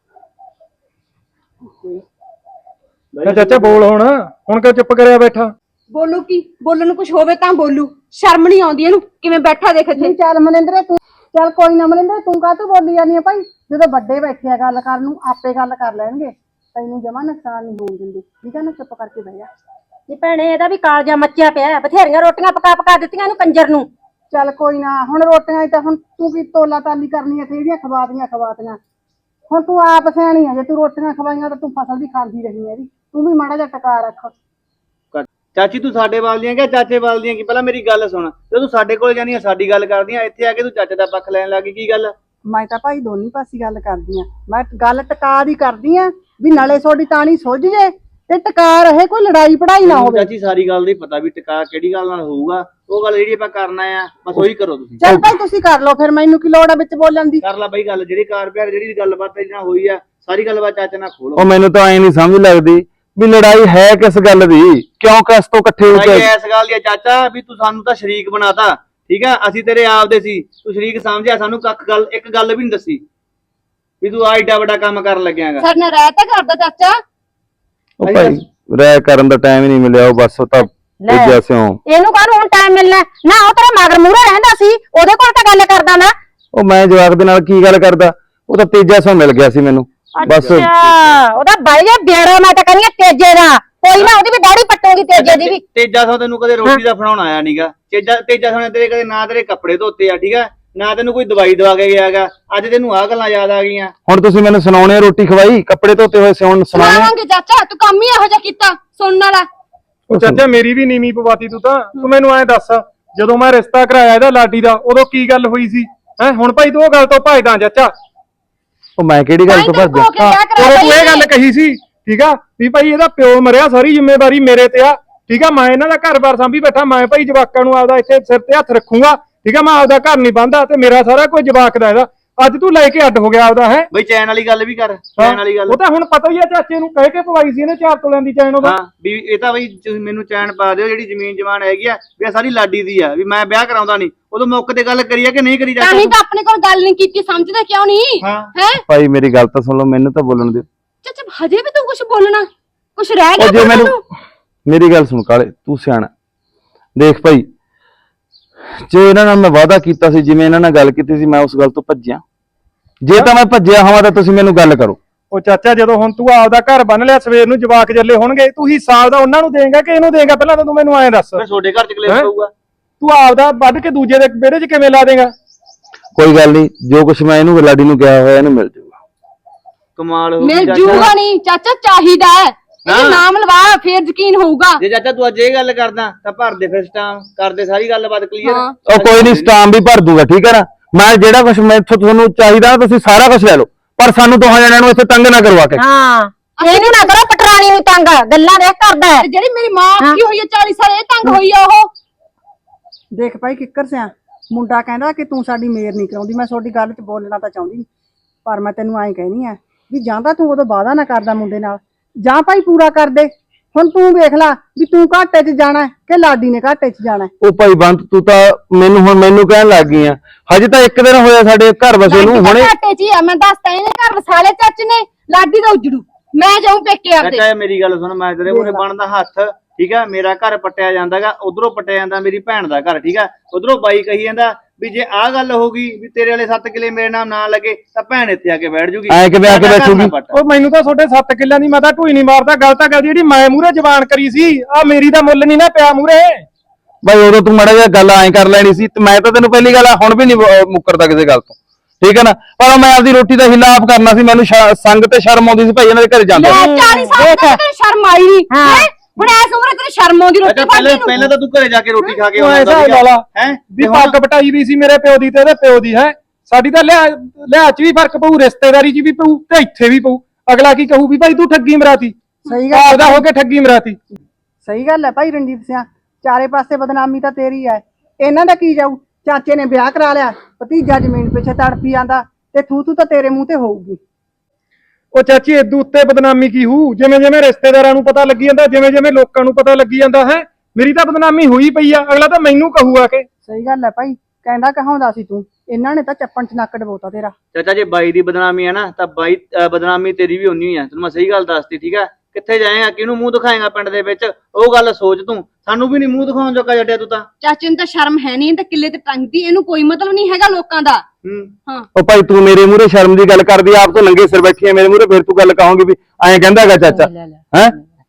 S4: ਚਾਚਾ ਬੋਲ ਹੁਣ ਕਿਉਂ ਚੁੱਪ ਕਰਿਆ ਬੈਠਾ?
S8: ਬੋਲੂ ਕੀ? ਬੋਲਣ ਨੂੰ ਕੁਝ ਹੋਵੇ ਤਾਂ ਬੋਲੂ, ਸ਼ਰਮ ਨਹੀਂ ਆਉਂਦੀ ਇਹਨੂੰ? ਕਿਵੇਂ ਬੈਠਾ ਦੇਖ ਇੱਥੇ।
S3: ਚੱਲ ਮਨਿੰਦਰ ਤੂੰ, ਚੱਲ ਕੋਈ ਨਾ ਮਨਿੰਦਰ, ਤੂੰ ਕਾਹਤੋਂ ਬੋਲੀ ਜਾਂਦੀ ਆ ਭਾਈ? ਜਦੋਂ ਵੱਡੇ ਬੈਠੇ ਆ ਗੱਲ ਕਰਨ ਨੂੰ, ਆਪੇ ਗੱਲ ਕਰ ਲੈਣਗੇ, ਤੈਨੂੰ ਜਮਾ ਨੁਕਸਾਨ ਨਹੀਂ ਹੋਣ ਦਿੰਦੇ, ਠੀਕ ਆ ਨਾ? ਚੁੱਪ ਕਰਕੇ ਬਹਿ ਜਾ।
S8: ਨੀ ਭੈਣੇ ਇਹਦਾ ਵੀ ਕਾਲਜਾ ਮੱਚਿਆ ਪਿਆ, ਬਥੇਰੀਆਂ ਰੋਟੀਆਂ ਪਕਾ ਦਿੱਤੀਆਂ ਇਹਨੂੰ ਕੰਜਰ ਨੂੰ।
S3: ਚੱਲ ਕੋਈ ਨਾ, ਹੁਣ ਰੋਟੀਆਂ ਤਾਂ ਹੁਣ ਤੂੰ ਕੀ ਤੋਲਾ ਤਾਲੀ ਕਰਨੀ ਆ? ਜਿਹੜੀਆਂ ਖਵਾਤੀਆਂ। ਹੁਣ ਤੂੰ ਆਪ ਸਿਆਣੀ ਆ, ਜੇ ਤੂੰ ਰੋਟੀਆਂ ਖਵਾਈਆਂ ਤਾਂ ਤੂੰ ਫਸਲ ਵੀ ਖਾਂਦੀ ਰਹੀ ਹੈ। ਤੂੰ ਵੀ ਮਾੜਾ ਜਿਹਾ ਟਕਾ ਰੱਖ।
S7: ਚਾਚੀ ਤੂੰ ਸਾਡੇ ਵੱਲ ਦੀਆਂ ਕਿ ਚਾਚੇ ਵੱਲ ਦੀਆਂ? ਕੀ ਪਹਿਲਾਂ ਮੇਰੀ ਗੱਲ ਸੁਣ, ਜਦੋਂ ਤੂੰ ਸਾਡੇ ਕੋਲ ਜਾਨੀ ਆ ਸਾਡੀ ਗੱਲ ਕਰਦੀ ਆ, ਇੱਥੇ ਆ ਕੇ ਤੂੰ ਚਾਚੇ ਦਾ ਪੱਖ ਲੈਣ ਲੱਗੀ, ਕੀ ਗੱਲ?
S3: ਮੈਂ ਤਾਂ ਭਾਈ ਦੋਨੀ ਪਾਸੇ ਗੱਲ ਕਰਦੀ ਆ, ਮੈਂ ਗੱਲ ਟਕਾ ਦੀ ਕਰਦੀ ਆ ਵੀ ਨਾਲੇ ਤੁਹਾਡੀ ਤਾਣੀ ਸੁੱਝ ਜੇ ਤੇ ਟਕਾ ਰਹੇ, ਕੋਈ ਲੜਾਈ ਪੜਾਈ ਨਾ ਹੋਵੇ।
S7: ਚਾਚੀ ਸਾਰੀ ਗੱਲ ਦੀ ਪਤਾ ਵੀ ਟਿਕਾ ਕਿਹੜੀ ਗੱਲ ਨਾਲ ਹੋਊਗਾ, ਉਹ ਗੱਲ ਜਿਹੜੀ ਆਪਾਂ ਕਰਨਾ ਆ ਬਸ ਉਹੀ ਕਰੋ ਤੁਸੀਂ।
S3: ਚੱਲ ਭਾਈ ਤੁਸੀਂ ਕਰ ਲਓ, ਫਿਰ ਮੈਨੂੰ ਕੀ ਲੋੜ ਆ ਵਿੱਚ ਬੋਲਣ ਦੀ?
S7: ਕਰ ਲੈ ਬਈ ਗੱਲ, ਜਿਹੜੀ ਕਾਰ ਪਿਆਰ ਜਿਹੜੀ ਗੱਲਬਾਤ ਇਹਦੇ ਨਾਲ ਹੋਈ ਆ ਸਾਰੀ ਗੱਲਬਾਤ ਚਾਚੇ ਨਾਲ ਖੋਲੋ।
S6: ਉਹ ਮੈਨੂੰ ਤਾਂ ਐ ਨਹੀਂ ਸਮਝ ਲੱਗਦੀ ਵੀ ਲੜਾਈ ਹੈ ਕਿਸ ਗੱਲ ਦੀ, ਕਿਉਂ ਕਿਸ ਤੋਂ ਇਕੱਠੇ ਹੋ ਕੇ
S7: ਇਸ ਗੱਲ ਦੀ ਆ ਚਾਚਾ ਵੀ ਤੂੰ ਸਾਨੂੰ ਤਾਂ ਸ਼ਰੀਕ ਬਣਾਤਾ, ਠੀਕ ਆ, ਅਸੀਂ ਤੇਰੇ ਆਪਦੇ ਸੀ, ਤੂੰ ਸ਼ਰੀਕ ਸਮਝਿਆ, ਸਾਨੂੰ ਇੱਕ ਗੱਲ ਵੀ ਨਹੀਂ ਦੱਸੀ ਵੀ ਤੂੰ ਆ ਏਡਾ ਵੱਡਾ ਕੰਮ ਕਰਨ ਲੱਗਿਆਗਾ।
S8: ਸਾਡੇ ਨਾਲ ਰਹਿ ਤਾਂ ਕਰਦਾ ਚਾਚਾ।
S6: ਉਹ ਭਾਈ ਰਹਿ ਕਰਨ ਦਾ ਟਾਈਮ ਹੀ ਨਹੀਂ ਮਿਲਿਆ, ਉਹ ਬਸ ਉਹ ਤਾਂ ਦੂਜਾ ਸਿਓ।
S9: ਇਹਨੂੰ ਕਾਹਨੂੰ ਹੁਣ ਟਾਈਮ ਮਿਲਣਾ ਨਾ, ਉਹ ਤੇਰਾ ਮਗਰ ਮੂਹਰੇ ਰਹਿੰਦਾ ਸੀ, ਉਹਦੇ ਕੋਲ ਤਾਂ ਗੱਲ ਕਰਦਾ ਨਾ।
S6: ਉਹ ਮੈਂ ਜਵਾਕ ਦੇ ਨਾਲ ਕੀ ਗੱਲ ਕਰਦਾ, ਉਹ ਤਾਂ ਤੀਜਾ ਸਿਓ ਮਿਲ ਗਿਆ ਸੀ ਮੈਨੂੰ ਬਸ।
S9: ਅੱਛਾ ਉਹਦਾ ਬਾਈ ਦਾ ਬੇੜਾ, ਮੈਂ ਤਾਂ ਕਹਿੰਦੀ ਤੇਜੇ ਦਾ, ਕੋਈ ਨਾ ਉਹਦੀ ਵੀ ਦਾੜੀ ਪੱਟੂਗੀ ਤੇਜੇ ਦੀ ਵੀ।
S7: ਤੇਜਾ ਸੋ ਤੈਨੂੰ ਕਦੇ ਰੋਟੀ ਦਾ ਫੜਾਉਣ ਆਇਆ ਨਹੀਂਗਾ। ਤੇਜਾ ਸੋ ਨੇ ਤੇਰੇ ਕਦੇ ਨਾ ਤੇਰੇ ਕੱਪੜੇ ਧੋਤੇ ਆ, ਠੀਕ ਆ, ਨਾ ਤੈਨੂੰ ਕੋਈ ਦਵਾਈ ਦਵਾ ਕੇ ਗਿਆਗਾ। ਅੱਜ ਤੈਨੂੰ ਆਹ ਗੱਲਾਂ ਯਾਦ ਆ ਗਈਆਂ।
S6: ਹੁਣ ਤੁਸੀਂ ਮੈਨੂੰ ਸੁਣਾਉਣੇ ਰੋਟੀ ਖਵਾਈ, ਕੱਪੜੇ ਧੋਤੇ ਹੋਏ ਸਿਉਣ ਸੁਣਾਉਣੇ।
S8: ਸੁਣਾਵਾਂਗੇ ਚਾਚਾ, ਤੂੰ ਕੰਮ ਹੀ ਇਹੋ ਜਿਹਾ ਕੀਤਾ ਸੁਣਨ ਵਾਲਾ।
S4: ਉਹ ਚਾਚਾ ਮੇਰੀ ਵੀ ਨੀਵੀਂ ਪਵਾਤੀ ਤੂੰ ਤਾਂ। ਤੂੰ ਮੈਨੂੰ ਐਂ ਦੱਸ, ਜਦੋਂ ਮੈਂ ਰਿਸ਼ਤਾ ਕਰਾਇਆ ਇਹਦਾ ਲਾਡੀ ਦਾ, ਉਦੋਂ ਕੀ ਗੱਲ ਹੋਈ ਸੀ ਹੈ? ਹੁਣ ਭਾਈ ਤੂੰ ਉਹ ਗੱਲ ਤੋਂ ਭੱਜਦਾ ਚਾਚਾ।
S6: ਉਹ ਮੈਂ ਕਿਹੜੀ ਗੱਲ ਤੋਂ ਭੱਜਦਾ?
S4: ਉਦੋਂ ਤੂੰ ਇਹ ਗੱਲ ਕਹੀ ਸੀ, ਠੀਕ ਆ, ਵੀ ਭਾਈ ਇਹਦਾ ਪਿਓ ਮਰਿਆ, ਸਾਰੀ ਜ਼ਿੰਮੇਵਾਰੀ ਮੇਰੇ ਤੇ ਆ, ਠੀਕ ਆ, ਮੈਂ ਇਹਨਾਂ ਦਾ ਘਰ-ਬਾਰ ਸਾਂਭੀ ਬੈਠਾ, ਮੈਂ ਭਾਈ ਜਵਾਕਾਂ ਨੂੰ ਆਪਦਾ ਇੱਥੇ ਸਿਰ ਤੇ ਹੱਥ ਰੱਖੂੰਗਾ, ਠੀਕ ਆ, ਮੈਂ ਆਪਦਾ ਘਰ ਨਹੀਂ ਬੰਦਾ ਤੇ ਮੇਰਾ ਸਾਰਾ ਕੁਝ ਜਵਾਕ ਦਾ ਇਹਦਾ। ਅੱਜ ਤੂੰ ਲੈ ਕੇ ਅੱਡ ਹੋ ਗਿਆ ਆਪਦਾ, ਹੈ
S7: ਬਈ ਚੈਨ ਵਾਲੀ ਗੱਲ ਵੀ ਕਰ, ਚੈਨ ਵਾਲੀ ਗੱਲ।
S4: ਉਹ ਤਾਂ ਹੁਣ ਪਤਾ ਹੀ ਆ, ਚਾਚੇ ਨੂੰ ਕਹਿ ਕੇ ਪਵਾਈ ਸੀ ਇਹਨੇ 4 ਤੋਲਿਆਂ ਦੀ ਚੈਨ ਉਹਦਾ।
S7: ਹਾਂ ਵੀ ਇਹ ਤਾਂ ਬਈ ਤੁਸੀਂ ਮੈਨੂੰ ਚੈਨ ਪਾ ਦਿਓ, ਜਿਹੜੀ ਜ਼ਮੀਨ ਜਮਾਨ ਹੈਗੀ ਆ ਵੀ ਇਹ ਸਾਰੀ ਲਾਡੀ ਦੀ ਆ, ਵੀ ਮੈਂ ਵਿਆਹ ਕਰਾਉਂਦਾ ਨਹੀਂ। ਉਦੋਂ ਮੌਕੇ ਤੇ ਗੱਲ ਕਰੀ ਆ ਕਿ ਨਹੀਂ ਕਰੀ
S8: ਤਾਂ ਹੀ ਤਾਂ ਆਪਣੇ ਕੋਲ ਗੱਲ ਨਹੀਂ ਕੀਤੀ, ਸਮਝਦਾ ਕਿਉਂ ਨਹੀਂ
S7: ਹਾਂ
S8: ਹੈ?
S6: ਭਾਈ ਮੇਰੀ ਗੱਲ ਤਾਂ ਸੁਣ ਲਓ, ਮੈਨੂੰ ਤਾਂ ਬੋਲਣ ਦਿਓ।
S8: ਚਾਚਾ ਹਜੇ ਵੀ ਤੂੰ ਕੁਝ ਬੋਲਣਾ, ਕੁਝ ਰਹਿ
S6: ਉਹ
S8: ਗਿਆ
S6: ਜੇ ਮੈਨੂੰ
S8: ਤੈਨੂੰ?
S6: ਮੇਰੀ ਗੱਲ ਸੁਣ ਕਾਲੇ, ਤੂੰ ਸਿਆਣਾ ਦੇਖ ਭਾਈ, ਜੇ ਇਹਨਾਂ ਨਾਲ ਮੈਂ ਵਾਅਦਾ ਕੀਤਾ ਸੀ, ਜਿਵੇਂ ਇਹਨਾਂ ਨਾਲ ਗੱਲ ਕੀਤੀ ਸੀ, ਮੈਂ ਉਸ ਗੱਲ ਤੋਂ ਭੱਜਿਆ। ਜੇ ਤਾਂ ਮੈਂ ਭੱਜਿਆ ਹੋਵਾਂ ਤਾਂ ਤੁਸੀਂ ਮੈਨੂੰ ਗੱਲ ਕਰੋ।
S4: ਉਹ ਚਾਚਾ ਜਦੋਂ ਹੁਣ ਤੂੰ ਆਪਦਾ ਘਰ ਬੰਨ ਲਿਆ, ਸਵੇਰ ਨੂੰ ਜਵਾਕ ਜੱਲੇ ਹੋਣਗੇ, ਤੂੰ ਹਿੱਸਾ ਆਪਦਾ ਉਹਨਾਂ ਨੂੰ ਦੇਂਗਾ ਕਿ ਇਹਨੂੰ ਦੇਂਗਾ? ਪਹਿਲਾਂ ਤਾਂ ਤੂੰ ਮੈਨੂੰ ਐਂ ਦੱਸ।
S7: ਫਿਰ ਤੁਹਾਡੇ ਘਰ ਚ ਕਲੇਸ਼ ਪਊਗਾ।
S4: ਤੂੰ ਆਪਦਾ ਵੱਢ ਕੇ ਦੂਜੇ ਦੇ ਵਿਹੜੇ 'ਚ ਕਿਵੇਂ ਲਾ ਦੇਂਗਾ?
S6: ਕੋਈ ਗੱਲ ਨਹੀਂ, ਜੋ ਕੁਛ ਮੈਂ ਇਹਨੂੰ ਲਾਡੀ ਨੂੰ ਕਿਹਾ ਹੋਇਆ ਇਹਨੂੰ ਮਿਲ ਜਾਊਗਾ।
S7: ਕਮਾਲ ਹੋ
S8: ਮਿਲ ਜੂਗਾ ਨਹੀਂ ਚਾਚਾ, ਚਾਹੀਦਾ ਹੈ ਇਹ ਨਾਮ ਲਵਾ, ਫੇਰ ਯਕੀਨ ਹੋਊਗਾ।
S7: ਜੇ ਚਾਚਾ ਤੂੰ ਅੱਜ ਇਹ ਗੱਲ ਕਰਦਾ ਤਾਂ ਭਰ ਦੇ ਫਿਰ ਸਟਾਮ, ਕਰਦੇ ਸਾਰੀ ਗੱਲਬਾਤ ਕਲੀਅਰ।
S6: ਉਹ ਕੋਈ ਨਹੀਂ, ਸਟਾਮ ਵੀ ਭਰ ਦੂਗਾ, ਠੀਕ ਹੈ ਨਾ। ਮੈਂ ਜਿਹੜਾ ਕੁਛ ਮੈਥੋਂ ਤੁਹਾਨੂੰ ਚਾਹੀਦਾ ਤੁਸੀਂ ਸਾਰਾ ਕੁਝ ਲੈ ਲਓ, ਪਰ ਸਾਨੂੰ ਦੋਹਾਂ ਜਣਿਆਂ ਨੂੰ ਇੱਥੇ ਤੰਗ ਨਾ ਕਰਵਾ ਕੇ।
S9: ਹਾਂ ਇਹਨੂੰ ਨਾ ਕਰੋ ਪਟਰਾਣੀ ਨੂੰ ਤੰਗ, ਗੱਲਾਂ ਦੇਖ ਕਰਦਾ ਹੈ।
S8: ਤੇ ਜਿਹੜੀ ਮੇਰੀ ਮਾਂ ਕੀ ਹੋਈ ਹੈ 40 ਸਾਲ, ਇਹ ਤੰਗ ਹੋਈ ਆ ਉਹ।
S3: ਦੇਖ ਭਾਈ ਕਿੱਕਰ ਸਿਆ, ਮੁੰਡਾ ਕਹਿੰਦਾ ਕਿ ਤੂੰ ਸਾਡੀ ਮੇਰ ਨਹੀਂ ਕਰਾਉਂਦੀ। ਮੈਂ ਤੁਹਾਡੀ ਗੱਲ 'ਚ ਬੋਲਣਾ ਤਾਂ ਚਾਹੁੰਦੀ ਨਹੀਂ, ਪਰ ਮੈਂ ਤੈਨੂੰ ਐਂ ਕਹਿਣੀ ਆ ਵੀ ਜਾਂ ਤਾਂ ਤੂੰ ਉਦੋਂ ਵਾਅਦਾ ਨਾ ਕਰਦਾ ਮੁੰਡੇ ਨਾਲ, ਜਾਂ ਭਾਈ ਪੂਰਾ ਕਰ ਦੇ। ਹੁਣ ਤੂੰ ਵੇਖ ਲੈ ਵੀ ਤੂੰ ਘਾਟੇ 'ਚ ਜਾਣਾ ਕਿ ਲਾਡੀ ਨੇ ਘਾਟੇ 'ਚ ਜਾਣਾ।
S6: ਉਹ ਭਾਈ ਬੰਤ, ਤੂੰ ਤਾਂ ਮੈਨੂੰ ਕਹਿਣ ਲੱਗ ਗਈ ਆ। ਹਜੇ ਤਾਂ ਇੱਕ ਦਿਨ ਹੋਇਆ ਸਾਡੇ ਘਰ ਵਸੇ ਨੂੰ, ਹੁਣੇ
S8: ਘਾਟੇ 'ਚ ਹੀ ਆ। ਮੈਂ ਦੱਸਦਾ ਇਹਨੇ ਘਰ ਵਸਾਲੇ ਚਾਚੇ ਨੇ, ਲਾਡੀ ਦਾ ਉਜੜੂ, ਮੈਂ ਜਾਊਂ ਪੇਕੇ ਆਪਦੇ।
S7: ਚਾਚਾ ਮੇਰੀ ਗੱਲ ਸੁਣ, ਮੈਂ ਤੇਰੇ ਮੂਹਰੇ ਬਣਦਾ ਹੱਥ, ਠੀਕ ਆ, ਮੇਰਾ ਘਰ ਪੱਟਿਆ ਜਾਂਦਾਗਾ, ਉਧਰੋਂ ਪੱਟਿਆ ਜਾਂਦਾ ਮੇਰੀ ਭੈਣ ਦਾ ਘਰ, ਠੀਕ ਆ, ਉਧਰੋਂ ਬਾਈ ਕਹੀ ਜਾਂਦਾ ਵੀ ਜੇ ਆਹ ਗੱਲ ਹੋ ਗਈ ਵੀ ਤੇਰੇ ਵਾਲੇ 7 ਕਿੱਲੇ ਮੇਰੇ ਨਾਮ ਨਾ ਲੱਗੇ ਤਾਂ ਭੈਣ ਇੱਥੇ ਆ ਕੇ ਬੈਠ ਜੂਗੀ।
S6: ਐ ਕਿਵੇਂ ਆ ਕੇ ਬੈਠੂਗੀ?
S4: ਉਹ ਮੈਨੂੰ ਤਾਂ ਤੁਹਾਡੇ 7 ਕਿੱਲਿਆਂ ਦੀ, ਮੈਂ ਤਾਂ ਢੂਈ ਨਹੀਂ ਮਾਰਦਾ। ਗੱਲ ਤਾਂ ਜਿਹੜੀ ਮੈਂ ਮੂਹਰੇ ਜ਼ਬਾਨ ਕਰੀ ਸੀ, ਆ ਮੇਰੀ ਦਾ ਮੁੱਲ ਨਹੀਂ ਨਾ ਪਿਆ ਮੂਹਰੇ।
S6: ਭਾਈ ਉਦੋਂ ਤੂੰ ਮਾੜਾ ਜਿਹਾ ਗੱਲ ਐਂ ਕਰ ਲੈਣੀ ਸੀ, ਤੇ ਮੈਂ ਤਾਂ ਤੈਨੂੰ ਪਹਿਲੀ ਗੱਲ ਹੁਣ ਵੀ ਨਹੀਂ ਮੁੱਕਰਦਾ ਕਿਸੇ ਗੱਲ ਤੋਂ, ਠੀਕ ਹੈ ਨਾ। ਪਰ ਮੈਂ ਆਪਦੀ ਰੋਟੀ ਦਾ ਹਿੱਲਾ ਆਪ ਕਰਨਾ ਸੀ, ਮੈਨੂੰ ਸੰਗ ਤੇ ਸ਼ਰਮ ਆਉਂਦੀ ਸੀ ਭਾਈ ਇਹਨਾਂ ਦੇ ਘਰੇ ਜਾਂਦੇ।
S8: 40 ਸਾਲ ਤੱਕ ਸ਼ਰਮ ਆਈ ਨਹੀਂ ਹੈ? ਹੁਣ ਐਸ ਉਮਰ ਤੇਰੀ ਸ਼ਰਮ ਆਉਂਦੀ ਰੋਟੀ ਖਾਣ ਨੂੰ।
S7: ਪਹਿਲਾਂ ਤਾਂ ਤੂੰ ਘਰੇ ਜਾ ਕੇ ਰੋਟੀ ਖਾ ਕੇ
S4: ਉਹ ਐਸਾ ਲਾਲਾ
S7: ਹੈ
S4: ਵੀ ਪੱਗ ਪਟਾਈ ਵੀ ਸੀ ਮੇਰੇ ਪਿਓ ਦੀ ਤੇ ਇਹਦੇ ਪਿਓ ਦੀ, ਹੈ ਸਾਡੀ ਤਾਂ ਲਿਆ ਚ ਵੀ ਫਰਕ ਪਊ, ਰਿਸ਼ਤੇਦਾਰੀ ਚ ਵੀ ਪਊ ਤੇ ਇੱਥੇ ਵੀ ਪਊ। ਅਗਲਾ ਕੀ ਕਹੂ ਵੀ ਭਾਈ ਤੂੰ ਠੱਗੀ ਮਰਾਤੀ,
S3: ਸਹੀ ਗੱਲ
S4: ਆਪਦਾ ਹੋ ਕੇ ਠੱਗੀ ਮਰਾਤੀ।
S3: ਸਹੀ ਗੱਲ ਹੈ ਭਾਈ ਰਣਜੀਤ ਸਿਆ, ਚਾਰੇ ਪਾਸੇ ਬਦਨਾਮੀ ਤਾਂ ਤੇਰੀ ਹੈ। ਇਹਨਾਂ ਦਾ ਕੀ ਜਾਊ? ਚਾਚੇ ਨੇ ਵਿਆਹ ਕਰਾ ਲਿਆ, ਭਤੀਜਾ ਜ਼ਮੀਨ ਪਿੱਛੇ ਤੜਫੀ ਜਾਂਦਾ, ਤੇ ਥੂ ਤਾਂ ਤੇਰੇ ਮੂੰਹ ਤੇ ਹੋਊਗੀ।
S4: ਉਹ ਚਾਚੀ ਇਦੋਂ ਉੱਤੇ ਬਦਨਾਮੀ ਕੀ ਹੂ? ਜਿਵੇਂ ਜਿਵੇਂ ਰਿਸ਼ਤੇਦਾਰਾਂ ਨੂੰ ਪਤਾ ਲੱਗੀ ਜਾਂਦਾ, ਜਿਵੇਂ ਜਿਵੇਂ ਲੋਕਾਂ ਨੂੰ ਪਤਾ ਲੱਗੀ ਜਾਂਦਾ, ਹੈ ਮੇਰੀ ਤਾਂ ਬਦਨਾਮੀ ਹੋਈ ਪਈ ਆ। ਅਗਲਾ ਤਾਂ ਮੈਨੂੰ ਕਹੂਗਾ ਕਿ
S3: ਸਹੀ ਗੱਲ ਹੈ ਭਾਈ, ਕਹਿੰਦਾ ਕਹਾਉਂਦਾ ਸੀ ਤੂੰ, ਇਹਨਾਂ ਨੇ ਤਾਂ ਚੱਪਣ 'ਚ ਨੱਕ ਡਬੋਤਾ ਤੇਰਾ।
S7: ਚਾਚਾ ਜੇ ਬਾਈ ਦੀ ਬਦਨਾਮੀ ਹੈ ਨਾ ਤਾਂ ਬਾਈ ਬਦਨਾਮੀ ਤੇਰੀ ਵੀ ਉਨੀ ਹੀ ਆ। ਤੈਨੂੰ ਮੈਂ ਸਹੀ ਗੱਲ ਦੱਸਤੀ, ਠੀਕ ਆ। ਕਿੱਥੇ ਜਾਏਗਾ, ਕਿਹਨੂੰ ਮੂੰਹ ਦਿਖਾਏਗਾ ਪਿੰਡ ਦੇ ਵਿੱਚ? ਉਹ ਗੱਲ ਸੋਚ ਤੂੰ, ਸਾਨੂੰ ਵੀ ਨਹੀਂ ਮੂੰਹ ਦਿਖਾਉਣ ਜੋਗਾ ਜੱਟਿਆ ਤੂੰ ਤਾਂ।
S8: ਚਾਚੇ ਨੂੰ ਤਾਂ ਸ਼ਰਮ ਹੈ ਨਹੀਂ, ਤਾਂ ਕਿੱਲੇ ਤੇ ਟੰਗਦੀ, ਇਹਨੂੰ ਕੋਈ ਮਤਲਬ ਨਹੀਂ ਹੈਗਾ ਲੋਕਾਂ ਦਾ। ਹਾਂ
S6: ਉਹ ਭਾਈ ਤੂੰ ਮੇਰੇ ਮੂਹਰੇ ਸ਼ਰਮ ਦੀ ਗੱਲ ਕਰਦੀ, ਆਪ ਤੋਂ ਨੰਗੇ ਸਿਰ ਬੈਠੀ ਹੈ ਮੇਰੇ ਮੂਹਰੇ, ਫਿਰ ਤੂੰ ਗੱਲ ਕਹੋਗੀ ਵੀ ਐਂ ਕਹਿੰਦਾ ਹੈਗਾ ਚਾਚਾ, ਹੈ।